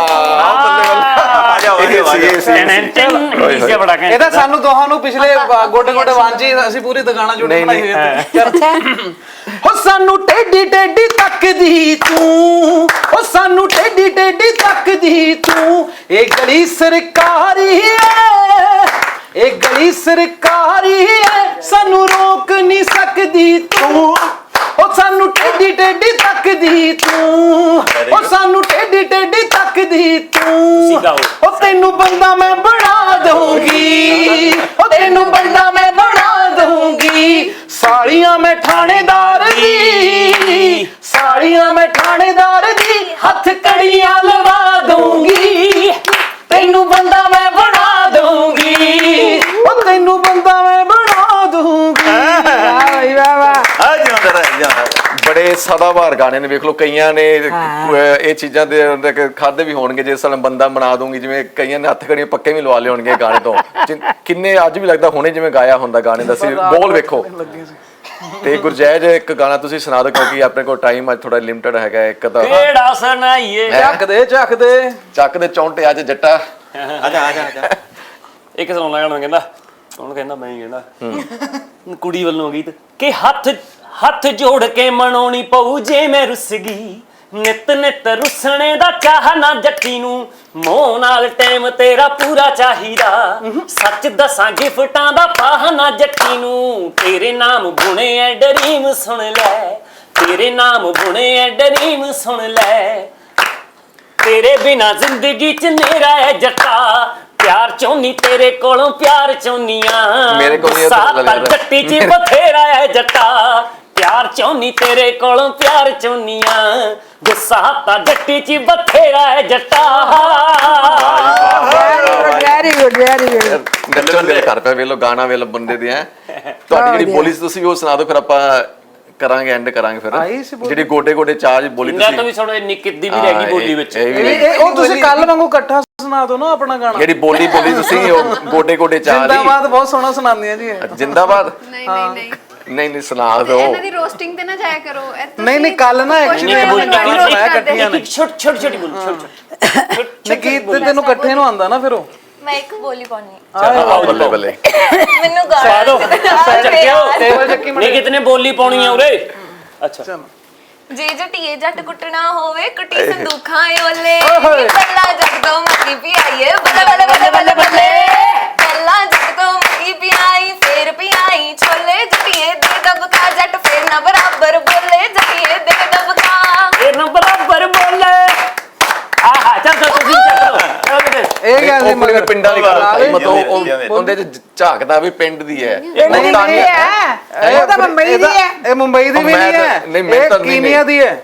Speaker 6: ਇਹ ਤਾਂ ਸਾਨੂੰ ਦੋਹਾਂ ਨੂੰ ਪਿਛਲੇ ਗੋਡੇ ਗੋਡੇ ਵਾਂਝੀ ਅਸੀਂ ਪੂਰੀ ਦੁਕਾਨਾਂ ਜੁੜ ਬਣਾਈ ਹੋਈ ਹੈ। ਹੋ ਸਾਨੂੰ ਟੇਢੀ ਟੇਢੀ ਤੱਕਦੀ ਤੂੰ, ਹੋ ਸਾਨੂੰ ਟੇਢੀ ਟੇਢੀ ਤੱਕਦੀ ਤੂੰ, ਇਹ ਗਲੀ ਸਰਕਾਰੀ ਹੈ, ਇਹ ਗਲੀ ਸਰਕਾਰੀ ਹੈ, ਸਾਨੂੰ ਰੋਕ ਨਹੀਂ ਸਕਦੀ ਤੂੰ। ਉਹ ਸਾਨੂੰ ਟੇਢੀ ਟੇਢੀ ਤੱਕਦੀ ਤੂੰ, ਉਹ ਸਾਨੂੰ ਟੇਢੀ ਟੇਢੀ ਤੱਕਦੀ ਤੂੰ, ਉਹ ਤੈਨੂੰ ਬੰਦਾ ਮੈਂ ਬਣਾ ਦਊਂਗੀ, ਉਹ ਤੈਨੂੰ ਬੰਦਾ ਮੈਂ ਬਣਾ ਦਊਂਗੀ। ਸਾਲੀਆਂ ਮੈਂ ਥਾਣੇਦਾਰ ਦੀ, ਸਾਲੀਆਂ ਮੈਂ ਥਾਣੇਦਾਰ ਦੀ, ਹੱਥ ਕੜੀਆਂ ਲਵਾ ਦਊਂਗੀ, ਤੈਨੂੰ ਬੰਦਾ ਮੈਂ ਬਣਾ ਦਊਂਗੀ, ਉਹ ਤੈਨੂੰ ਬੰਦਾ ਮੈਂ ਬਣਾ ਦਊਂਗੀ। ਵਾਹ ਵਾਹ ਵਾਹ।
Speaker 2: ਬੜੇ ਸਦਾਬਹਾਰ ਗਾਣੇ ਨੇ, ਵੇਖ ਲਓ ਕਈਆਂ ਨੇ ਇਹ ਚੀਜ਼ਾਂ ਦੇ ਖਾਦੇ ਵੀ ਹੋਣਗੇ ਜਿਸ ਸਾਲ ਬੰਦਾ ਬਣਾ ਦੂੰਗੀ, ਜਿਵੇਂ ਕਈਆਂ ਨੇ ਹੱਥ ਕੜੀਆਂ ਪੱਕੇ ਵੀ ਲਵਾ ਲਏ ਹੋਣਗੇ ਗਾਣੇ ਤੋਂ। ਕਿੰਨੇ ਅੱਜ ਵੀ ਲੱਗਦਾ ਹੁਣੇ ਜਿਵੇਂ ਗਾਇਆ ਹੁੰਦਾ ਗਾਣੇ ਦਾ ਸੀ, ਬੋਲ ਵੇਖੋ ਤੇ ਗੁਰਜੈਜ ਇੱਕ ਗਾਣਾ ਤੁਸੀਂ ਸੁਣਾ ਦਿਓ ਕਿਉਂਕਿ ਆਪਣੇ ਕੋਲ ਟਾਈਮ ਅੱਜ ਥੋੜਾ ਲਿਮਟਿਡ ਹੈਗਾ ਇੱਕ ਤਾਂ
Speaker 8: ਕਿਹੜਾ ਸੁਣਾਈਏ
Speaker 6: ਚੱਕ ਦੇ ਚੱਕ ਦੇ
Speaker 2: ਚੱਕ ਦੇ ਚੌਂਟੇ ਅੱਜ ਜੱਟਾ
Speaker 5: ਆ ਜਾ ਆ ਜਾ ਆ ਜਾ
Speaker 8: ਇੱਕ ਸੁਣ ਲੈਣਾ ਕਹਿੰਦਾ ਕੌਣ ਕਹਿੰਦਾ ਮੈਂ ਹੀ ਕਹਿੰਦਾ ਕੁੜੀ ਵੱਲੋਂ ਗੀਤ ਕਿ ਹੱਥ ਹੱਥ ਜੋੜ ਕੇ ਮਨਾਉਣੀ ਪਊ ਜੇ ਮੈਂ ਰੁੱਸ ਗਈ ਨਿਤ ਨਿਤ ਰੁੱਸਣੇ ਦਾ ਚਾਹ ਨਾ ਜੱਟੀ ਨੂੰ ਮੋਹ ਨਾਲ ਟਾਈਮ ਤੇਰਾ ਪੂਰਾ ਚਾਹੀਦਾ ਸੱਚ ਦੱਸਾਂ ਗਿਫਟਾਂ ਦਾ ਪਾਹ ਨਾ ਜੱਟੀ ਨੂੰ ਤੇਰੇ ਨਾਮ ਬੁਣੇ ਐ ਡਰੀਮ ਸੁਣ ਲੈ ਤੇਰੇ ਨਾਮ ਬੁਣੇ ਐ ਡਰੀਮ ਸੁਣ ਲੈ ਤੇਰੇ ਬਿਨਾ ਜ਼ਿੰਦਗੀ ਚ ਨੇਰਾ ਐ ਜੱਟਾ ਪਿਆਰ ਚਾਹੁੰਨੀ ਤੇਰੇ ਕੋਲੋਂ ਪਿਆਰ ਚਾਹੁੰਨੀਆਂ
Speaker 2: ਮੇਰੇ ਕੋਲ ਇਹ ਤਾਂ
Speaker 8: ਗੁੱਸਾ ਤਾਂ ਜੱਟੀ ਚ ਬਥੇਰਾ ਐ ਜੱਟਾ ਪਿਆਰ ਚਾਹੁੰਨੀ ਤੇਰੇ ਕੋਲੋਂ ਪਿਆਰ ਚਾਹੁੰਨੀਆਂ ਗੁੱਸਾ ਤਾਂ ਜੱਟੀ ਚ ਬਥੇਰਾ ਐ ਜੱਟਾ
Speaker 4: ਵੈਰੀ ਗੁੱਡ ਵੈਰੀ ਗੁੱਡ
Speaker 2: ਨੱਚਣ ਦੇ ਘਰ ਪੈ ਵੇਲੋ ਗਾਣਾ ਵੇਲੋ ਬੰਦੇ ਦੇ ਹੈ ਤੁਹਾਡੀ ਜਿਹੜੀ ਬੋਲੀ ਸੀ ਤੁਸੀਂ ਉਹ ਸੁਣਾ ਦਿਓ ਫਿਰ ਆਪਾਂ ਕਰਾਂਗੇ ਐਂਡ ਕਰਾਂਗੇ ਫਿਰ
Speaker 6: ਆਈ ਸੀ ਬੋਲੀ।
Speaker 2: ਜਿਹੜੀ ਗੋਡੇ ਗੋਡੇ ਚਾਜ ਬੋਲੀ
Speaker 8: ਇਹਨਾਂ
Speaker 2: ਤੁਸੀਂ
Speaker 8: ਤੋਂ ਵੀ ਥੋੜਾ ਨਿੱਕਿਤ ਦੀ ਵੀ ਰਹਿ ਗਈ ਬੋਲੀ ਵਿੱਚ
Speaker 2: ਇਹ ਵੀ
Speaker 6: ਇਹ ਇਹ ਉਹ ਤੁਸੀਂ ਕੱਲ ਵਾਂਗੂ ਇਕੱਠਾ ਸੁਣਾ ਦਿਓ ਨਾ ਆਪਣਾ ਗਾਣਾ
Speaker 2: ਜਿਹੜੀ ਬੋਲੀ ਬੋਲੀ ਤੁਸੀਂ ਉਹ ਗੋਡੇ ਗੋਡੇ ਚਾਜ
Speaker 6: ਜਿੰਦਾਬਾਦ ਬਹੁਤ ਸੋਹਣਾ ਸੁਣਾਉਂਦੀਆਂ ਜੀ ਇਹ।
Speaker 2: ਜਿੰਦਾਬਾਦ
Speaker 9: ਨਹੀਂ ਨਹੀਂ ਨਹੀਂ
Speaker 2: ਨਹੀਂ ਨਹੀਂ ਸੁਣਾ ਦਿਓ
Speaker 9: ਇਹਨਾਂ ਦੀ ਰੋਸਟਿੰਗ ਤੇ ਨਾ ਜਾਇਆ ਕਰੋ ਇਹ ਤੁਸੀਂ
Speaker 6: ਨਹੀਂ, ਨਹੀਂ, ਕੱਲ੍ਹ ਨਾ
Speaker 9: ਕੁਛ
Speaker 6: actually
Speaker 9: ਵੀ
Speaker 8: ਬੋਲੀ
Speaker 9: ਮੈਨੂੰ
Speaker 8: ਨਹੀਂ
Speaker 9: invite
Speaker 6: ਸੁਣਾਇਆ
Speaker 9: ਕਰਦੇ।
Speaker 6: ਇਕੱਠੀਆਂ ਨੇ।
Speaker 8: ਛੋਟੀ ਛੋਟੀ ਛੋਟੀ ਬੋਲੀ ਛੋਟੀ
Speaker 6: ਨਕੀਤ ਤੇ ਤੈਨੂੰ ਇਕੱਠੇ ਨੂੰ ਆਂਦਾ ਨਾ ਫਿਰ ਉਹ
Speaker 7: ਮੈਂ ਇੱਕ ਬੋਲੀ ਪਾਉਣੀ
Speaker 2: ਛੋਟੀ ਬੱਲੇ ਬੱਲੇ
Speaker 7: ਮੈਨੂੰ
Speaker 8: ਪਾ
Speaker 7: ਗਾਣਾ
Speaker 8: ਦੋ ਚੱਕਿਓ
Speaker 6: ਟੇਬਲ ਚੱਕੀ
Speaker 8: ਨਹੀਂ ਕਿਤਨੇ ਬੋਲੀ ਪਾਉਣੀ ਆ ਉਰੇ ਅੱਛਾ
Speaker 7: ਜੇ ਜਟੀਏ ਜੱਟ ਕੁੱਟਣਾ ਹੋਵੇ ਕੁੱਟੀ ਸੰਦੂਖਾਂ ਓਲੇ ਪਹਿਲਾਂ ਜੱਟ ਤੋਂ ਮੱਕੀ ਪਿਆਈਏ ਬੱਲੇ ਬੱਲੇ ਬੱਲੇ ਬੱਲੇ ਬੱਲੇ ਪਹਿਲਾਂ ਜੱਟ ਤੋਂ ਮੱਕੀ ਪਿਆਈ ਫੇਰ ਪਿਆਈ ਛੋਲੇ ਜਟੀਏ ਦੇ ਦਬਕਾ ਜੱਟ ਫੇਰ ਨਾ ਬਰਾਬਰ ਬੋਲੇ ਜਟੀਏ ਦੇ ਦਬਕਾ
Speaker 8: ਇਹ ਨਾ ਬਰਾਬਰ ਬੋਲੇ ਆਹਾ ਚੱਲ ਚੱਲ ਤੁਸੀਂ ਚੱਕ ਲਓ ਚੱਲ ਕਿਤੇ
Speaker 6: ਇਹ ਗੱਲ ਨਹੀਂ
Speaker 2: ਉਹ
Speaker 6: ਮਗਰ
Speaker 2: ਪਿੰਡਾਂ ਦੀ ਗੱਲ
Speaker 6: ਨਾਲ
Speaker 2: ਹੈ
Speaker 6: ਹੀ
Speaker 2: ਮਤਲਬ ਉਹ- ਉਹਦੇ ਚ ਝਾਕਦਾ ਵੀ ਪਿੰਡ ਦੀ ਹੈ
Speaker 4: ਨਹੀਂ ਨਹੀਂ ਹੈ ਉਹ ਤਾਂ ਮੁੰਬਈ ਦੀ ਹੈ
Speaker 6: ਇਹ ਮੁੰਬਈ ਦੀ ਵੀ
Speaker 2: ਮੈਂ
Speaker 6: ਨਹੀਂ
Speaker 2: ਤਾਂ-
Speaker 6: ਹੈ
Speaker 2: ਨਹੀਂ, ਮੈਂ
Speaker 6: ਇਹ
Speaker 2: ਤਾਂ ਨਹੀਂ-
Speaker 6: ਕੀਨੀਆ ਦੀ ਹੈ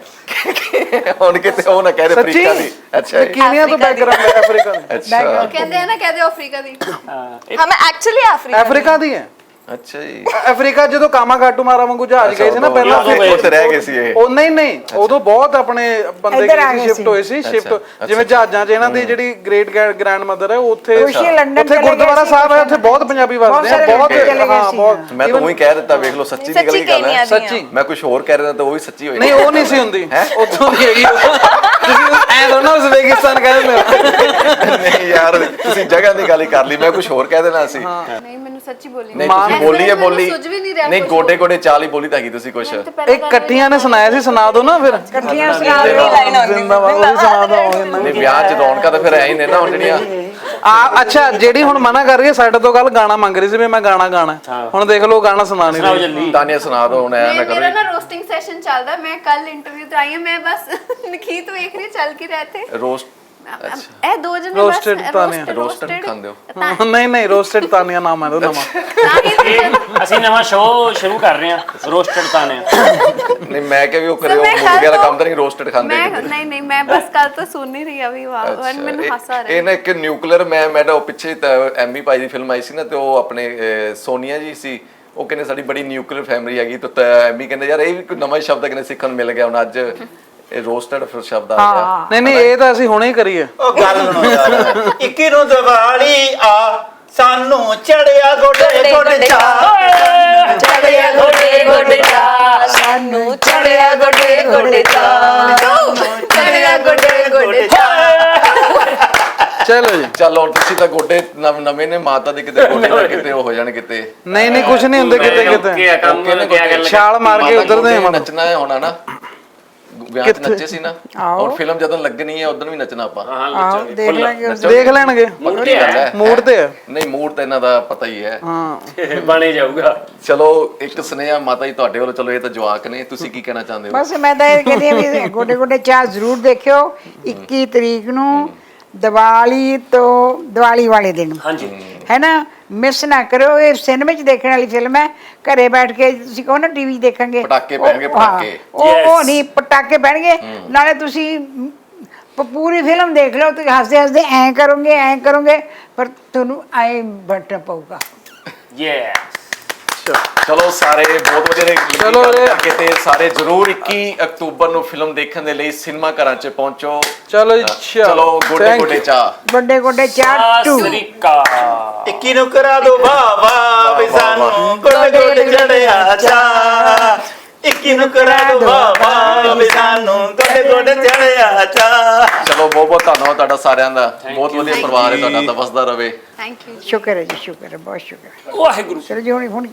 Speaker 2: ਹੁਣ ਕਿਤੇ ਉਹ ਨਾ ਕਹਿ ਦੇ
Speaker 6: ਸੱਚੀ
Speaker 2: ਅਫਰੀਕਾ ਦੀ ਅੱਛਾ
Speaker 6: ਇਹ ਕੀਨੀਆ ਤੋਂ ਬੈਕਗ੍ਰਾਉਂਡ ਹੈ ਅਫਰੀਕਾ ਦੀ
Speaker 2: ਅੱਛਾ
Speaker 9: ਕਹਿੰਦੇ ਆ ਨਾ ਕਹਦੇ ਅਫਰੀਕਾ ਦੀ
Speaker 7: ਹਾਂ ਮੈਂ ਐਕਚੁਅਲੀ ਅਫਰੀਕਾ
Speaker 6: ਅਫਰੀਕਾ ਦੀ ਹੈ
Speaker 2: ਅੱਛਾ ਜੀ
Speaker 6: ਅਫਰੀਕਾ ਜਦੋਂ ਕਾਮਾਗਾਟੂ ਮਾਰਾ ਵਾਂਗੂ ਜਹਾਜ਼ ਗਏ ਸੀ ਨਾ ਪਹਿਲਾਂ
Speaker 2: ਉਦੋਂ
Speaker 6: ਫਿਰ-
Speaker 2: ਉੱਥੇ ਰਹਿ ਗਏ ਸੀ ਇਹ
Speaker 6: ਉਹ ਨਹੀਂ ਨਹੀਂ ਉਦੋਂ ਬਹੁਤ ਆਪਣੇ ਬੰਦੇ
Speaker 4: ਇੱਧਰ ਆ ਗਏ
Speaker 6: ਸ਼ਿਫਟ
Speaker 4: ਸੀ।
Speaker 6: ਹੋਏ ਸੀ ਸ਼ਿਫਟ ਜਿਵੇਂ ਜਹਾਜ਼ਾਂ 'ਚ ਇਹਨਾਂ ਦੀ ਜਿਹੜੀ ਗ੍ਰੇਟ ਗ੍ਰੈਂਡ ਮਦਰ ਹੈ ਉਹ ਉੱਥੇ
Speaker 4: ਖੁਸ਼ੀ ਲੰਡਨ
Speaker 6: ਉੱਥੇ
Speaker 4: ਚਲੇ ਗਏ
Speaker 6: ਗੁਰਦੁਆਰਾ
Speaker 4: ਸੀ,
Speaker 6: ਸਾਹਿਬ ਹੈ ਉੱਥੇ ਬਹੁਤ ਪੰਜਾਬੀ ਵਸਦੇ ਆ
Speaker 4: ਸਾਰੇ
Speaker 6: ਬਹੁਤ
Speaker 4: ਲੜਕੇ ਚਲੇ ਗਏ
Speaker 6: ਹਾਂ
Speaker 4: ਸੀ,
Speaker 6: ਬਹੁਤ
Speaker 2: ਮੈਂ ਤਾਂ ਉਹੀ ਕਹਿ ਦਿੱਤਾ ਵੇਖ ਲਓ ਸੱਚੀ ਨਿਕਲ
Speaker 7: ਸੱਚੀ
Speaker 2: ਗਈ ਗੱਲ ਹੈ
Speaker 7: ਕੇਨੀਆ ਦੀਆਂ
Speaker 6: ਸੱਚੀ
Speaker 2: ਮੈਂ ਕੁਝ ਹੋਰ ਕਹਿ ਰਿਹਾ ਤਾਂ ਉਹ ਵੀ ਸੱਚੀ ਹੋਈ
Speaker 6: ਨਹੀਂ ਉਹ ਨਹੀਂ ਸੀ ਹੁੰਦੀ ਉੱਥੋਂ ਦੀ ਹੈਗੀ ਤੁਸੀਂ ਐ ਦੋਨੋਂ ਉਜ਼ਬੇਕਿਸਤਾਨ ਕਹਿ ਦਿੰਦੇ ਹੋ
Speaker 2: ਨਹੀਂ ਯਾਰ ਤੁਸੀਂ ਜਗ੍ਹਾ ਦੀ ਗੱਲ ਹੀ ਕਰ ਲਈ ਮੈਂ ਕੁਝ ਹੋਰ ਕਹਿ ਦੇਣਾ ਸੀ
Speaker 9: ਨਹੀਂ ਮੈਨੂੰ ਸੱਚੀ ਬੋਲੀ
Speaker 2: ਨਹੀਂ ਤੁਸੀਂ ਬੋਲੀ ਹੈ ਬੋਲੀ
Speaker 9: ਸੁਝ ਵੀ ਨਹੀਂ ਰਿਹਾ
Speaker 2: ਨਹੀਂ ਗੋਡੇ ਗੋਡੇ ਚਾਲ ਹੀ ਬੋਲੀ ਤਾਂ ਹੈਗੀ ਤੁਸੀਂ ਕੁਝ
Speaker 6: ਇਹ ਇਕੱਠੀਆਂ ਨੇ ਸੁਣਾਇਆ ਸੀ ਸੁਣਾ ਦਿਓ ਨਾ ਫਿਰ
Speaker 4: ਇਕੱਠੀਆਂ ਸੁਣਾ
Speaker 7: ਇਹ ਲਾਈਨ ਆਉਂਦੀ
Speaker 6: ਜ਼ਿੰਦਾਬਾਦ ਉਹੀ ਸੁਣਾ ਦਿਓ
Speaker 2: ਨਹੀਂ ਵਿਆਹ 'ਚ ਰੌਣਕਾਂ ਤਾਂ ਫਿਰ ਐ ਹੀ ਨੇ ਨਾ ਹੁਣ ਜਿਹੜੀਆਂ
Speaker 6: ਆ ਅੱਛਾ ਜਿਹੜੀ ਹੁਣ ਮਨਾ ਕਰ ਰਹੀ ਹੈ ਸਾਡੇ ਤੋਂ ਗੱਲ ਗਾਣਾ ਮੰਗ ਰਹੀ ਸੀ ਵੀ ਮੈਂ ਗਾਣਾ ਗਾਣਾ ਹੁਣ ਦੇਖ ਲਓ ਗਾਣਾ ਸੁਣਾ ਨਹੀਂ
Speaker 8: ਸੁਣਾਓ
Speaker 6: ਰਹੀ
Speaker 8: ਜਲਦੀ
Speaker 2: ਤਾਨੀਆ ਸੁਣਾ ਦਿਓ ਹੁਣ ਐ ਨਾ
Speaker 9: ਮੈਂ
Speaker 2: ਕਰੋ
Speaker 9: ਮੇਰਾ ਨਾ ਰੋਸਟਿੰਗ ਸੈਸ਼ਨ ਚੱਲਦਾ ਮੈਂ ਕੱਲ ਇੰਟਰਵਿਊ ਤੇ ਆਈ ਹਾਂ ਮੈਂ ਬਸ ਨਖੀਤ ਵੇਖ ਰਹੀ ਚੱਲ ਕੇ ਰਹਤੇ
Speaker 2: ਰੋਸਟ
Speaker 9: ਇਹ ਦੋ ਜਣੇ ਬਸ
Speaker 6: Roasted ਤਾਨੀਆ।
Speaker 2: ਰੋਸਟਡ ਖਾਂਦੇ ਹੋ
Speaker 6: ਨਹੀਂ ਨਹੀਂ ਰੋਸਟਡ ਤਾਨੀਆ ਨਾਮ ਹੈ ਉਹਦਾ ਨਵਾਂ
Speaker 8: ਇਹ ਅਸੀਂ ਨਵਾਂ ਸ਼ੋਅ ਸ਼ੁਰੂ ਕਰ ਰਹੇ ਹਾਂ ਰੋਸਟਡ ਤਾਨੇ
Speaker 2: ਨਹੀਂ ਮੈਂ ਕਿਹਾ ਵੀ ਉਹ ਕਰੇ
Speaker 9: So,
Speaker 2: ਉਹ
Speaker 9: ਮੈਂ
Speaker 2: ਮੁਰਗੇ
Speaker 9: ਕੱਲ੍ਹ
Speaker 2: ਵਾਲਾ
Speaker 9: ਤੋਂ-
Speaker 2: ਕੰਮ ਤਾਂ ਨਹੀਂ ਰੋਸਟਡ ਖਾਂਦੇ
Speaker 9: ਮੈਂ
Speaker 2: ਕਿਤੇ।
Speaker 9: ਨਹੀਂ ਨਹੀਂ ਮੈਂ ਬਸ ਕੱਲ ਤੋਂ ਸੁਣ ਨਹੀਂ ਰਹੀ ਆ ਵੀ ਵਾਹ
Speaker 2: ਅੱਛਾ,
Speaker 9: ਮੈਨੂੰ
Speaker 2: ਇਹ-
Speaker 9: ਹਾਸਾ ਆ ਰਿਹਾ
Speaker 2: ਇਹ ਨਾ ਇੱਕ ਨਿਊਕਲੀਅਰ ਮੈਂ ਮੈਂ ਤਾਂ ਉਹ ਪਿੱਛੇ ਐਮੀ ਭਾਈ ਦੀ ਫਿਲਮ ਆਈ ਸੀ ਨਾ ਤੇ ਉਹ ਆਪਣੇ ਅਹ, ਸੋਨੀਆ ਜੀ ਸੀ ਉਹ ਕਹਿੰਦੇ ਸਾਡੀ ਬੜੀ ਨਿਊਕਲੀਅਰ ਫੈਮਿਲੀ ਹੈਗੀ ਤਾਂ ਐਮੀ ਕਹਿੰਦੇ ਯਾਰ ਇਹ ਵੀ ਕੋਈ ਨਵਾਂ ਹੀ ਸ਼ਬਦ ਕਹਿੰਦੇ ਸਿੱਖਣ ਨੂੰ ਮਿਲ ਗਿਆ ਹੁਣ ਅੱਜ ਇਹ ਰੋਸਟਡ ਫਿਰ ਸ਼ਬਦ ਆ ਗਿਆ
Speaker 6: ਨਹੀਂ ਨਹੀਂ ਇਹ ਤਾਂ ਅਸੀਂ ਹੁਣੇ ਹੀ ਕਰੀਏ
Speaker 5: ਉਹ ਗੱਲ ਸੁਣੋ ਯਾਰ ਇੱਕੀ ਨੂੰ ਦੀਵਾਲੀ ਆ ਸਾਨੂੰ ਚੜਿਆ ਗੋਡੇ ਗੋਡੇ ਚਾ
Speaker 1: ਚੜਿਆ ਗੋਡੇ ਗੋਡੇ ਚਾ ਸਾਨੂੰ ਚੜਿਆ ਗੋਡੇ ਗੋਡੇ ਚਾ ਚੜਿਆ ਗੋਡੇ ਗੋਡੇ ਚਾ
Speaker 6: ਚਲੋ ਜੀ
Speaker 2: ਚਲੋ ਹੁਣ ਤੁਸੀਂ ਤਾਂ ਗੋਡੇ ਨਵ- ਨਵੇਂ ਨੇ ਮਾਤਾ ਦੇ ਕਿਤੇ ਗੋਡੇ ਨਾ ਕਿਤੇ ਉਹ ਹੋ ਜਾਣ ਕਿਤੇ
Speaker 6: ਨਹੀਂ ਨਹੀਂ ਕੁਝ ਨਹੀਂ ਹੁੰਦੇ ਕਿਤੇ ਕਿਤੇ
Speaker 8: ਕੀ ਕੰਮ
Speaker 2: ਓਕੇ ਨੇ
Speaker 8: ਕਿਆ ਗੱਲ
Speaker 6: ਛਾਲ ਮਾਰ ਕੇ
Speaker 2: ਮਾਤਾ
Speaker 6: ਉਧਰ ਦੇ
Speaker 2: ਗੋਡੇ ਨੱਚਣਾ ਹੈ ਹੋਣਾ ਨਾ ਵਿਆਹ 'ਚ ਨੱਚੇ ਸੀ ਨਾ ਔਰ ਫਿਲਮ ਜਦੋਂ ਲੱਗਣੀ ਹੈ ਉਦੋਂ ਵੀ ਨੱਚਣਾ ਆਪਾਂ
Speaker 4: ਆਓ ਦੇਖ ਲਾਂਗੇ ਉਸ
Speaker 6: ਦੇਖ ਲੈਣਗੇ
Speaker 2: ਪੱਕੀ ਗੱਲ ਹੈ
Speaker 6: ਮੂਡ ਤੇ ਹੈ
Speaker 2: ਨਹੀਂ ਮੂਡ ਤਾਂ ਇਹਨਾਂ ਦਾ ਪਤਾ ਹੀ ਹੈ
Speaker 6: ਹਾਂ
Speaker 8: ਬਣੇ ਜਾਊਗਾ
Speaker 2: ਚਲੋ ਇੱਕ ਸੁਨੇਹਾ ਮਾਤਾ ਜੀ ਤੁਹਾਡੇ ਵੱਲੋਂ ਚਲੋ ਇਹ ਤਾਂ ਜਵਾਕ ਨੇ ਤੁਸੀਂ ਕੀ ਕਹਿਣਾ ਚਾਹੁੰਦੇ ਹੋ
Speaker 4: ਬਸ ਮੈਂ ਤਾਂ ਇਹ ਕਹਿੰਦੀ ਹਾਂ ਵੀ ਗੋਡੇ ਗੋਡੇ ਚਾਹ ਜ਼ਰੂਰ ਦੇਖਿਓ ਇੱਕੀ ਤਰੀਕ ਨੂੰ ਦੀਵਾਲੀ ਤੋਂ ਦੀਵਾਲੀ ਵਾਲੇ ਦਿਨ
Speaker 8: ਹਾਂਜੀ
Speaker 4: ਹੈ ਨਾ ਮਿਸ ਨਾ ਕਰੋ ਇਹ ਸਿਨੇਮੇ 'ਚ ਦੇਖਣ ਵਾਲੀ ਫਿਲਮ ਹੈ ਘਰੇ ਬੈਠ ਕੇ ਤੁਸੀਂ ਕਹੋ ਨਾ ਟੀਵੀ ਦੇਖਾਂਗੇ
Speaker 2: ਪਟਾਕੇ
Speaker 4: ਉਹ-
Speaker 2: ਪੈਣਗੇ,
Speaker 4: ਹਾਂ,
Speaker 2: ਪਟਾਕੇ।
Speaker 4: ਉਹ ਉਹ
Speaker 8: Yes.
Speaker 4: ਨਹੀਂ ਪਟਾਕੇ ਪੈਣਗੇ ਨਾਲੇ ਤੁਸੀਂ ਪ- ਪੂਰੀ ਫਿਲਮ ਦੇਖ ਲਓ ਤੁਸੀਂ ਹੱਸਦੇ ਹੱਸਦੇ ਐਂ ਕਰੋਗੇ ਐਂ ਕਰੋਗੇ ਪਰ ਤੁਹਾਨੂੰ ਐਂ ਬਟਣਾ ਪਊਗਾ
Speaker 8: ਯੈਸ
Speaker 2: ਚਲੋ ਸਾਰੇ ਬਹੁਤ ਵਧੀਆ ਨੇ
Speaker 6: ਚਲੋ
Speaker 2: ਗੱਲ
Speaker 6: ਜੀ।
Speaker 2: ਕਰਕੇ ਤੇ ਸਾਰੇ ਜਰੂਰ ਇੱਕੀ ਅਕਤੂਬਰ ਨੂੰ ਫਿਲਮ ਦੇਖਣ ਦੇ ਲਈ ਸਿਨੇਮਾ ਘਰਾਂ 'ਚ ਪਹੁੰਚੋ
Speaker 6: ਚਲੋ ਜੀ
Speaker 2: ਚਲੋ ਗੋਡੇ
Speaker 6: Thank
Speaker 2: ਗੋਡੇ
Speaker 6: you.
Speaker 2: ਚਾਹ
Speaker 4: ਗੋਡੇ ਗੋਡੇ ਚਾਹ ਟੂ
Speaker 8: ਸ੍ਰੀਕਾ
Speaker 5: ਇੱਕੀ ਨੂੰ ਕਰਾ ਦੋ ਵਾਹ ਵਾਹ ਵੀ ਸਾਨੂੰ ਗੋਡੇ ਗੋਡੇ ਚੜਿਆ ਚਾ ਜੀ ਨੂੰ ਕਰਾ ਦਵਾਵਾ ਵੀ ਸਾਨੂੰ ਗੋਡੇ ਗੋਡੇ ਚੜਿਆ ਚਾ।
Speaker 2: ਚਲੋ ਬਹੁਤ ਬਹੁਤ ਧੰਨਵਾਦ ਤੁਹਾਡਾ ਸਾਰਿਆਂ ਦਾ, ਬਹੁਤ ਵਧੀਆ ਪਰਿਵਾਰ ਹੈ ਤੁਹਾਡਾ, ਤਾਂ ਵਸਦਾ ਰਵੇ।
Speaker 9: ਥੈਂਕ ਯੂ
Speaker 4: ਸ਼ੁਕਰ ਹੈ ਜੀ, ਸ਼ੁਕਰ ਹੈ, ਬਹੁਤ ਸ਼ੁਕਰ ਹੈ।
Speaker 8: ਵਾਹਿਗੁਰੂ।
Speaker 4: ਚਲੋ ਜੀ ਹੁਣ ਹੁਣ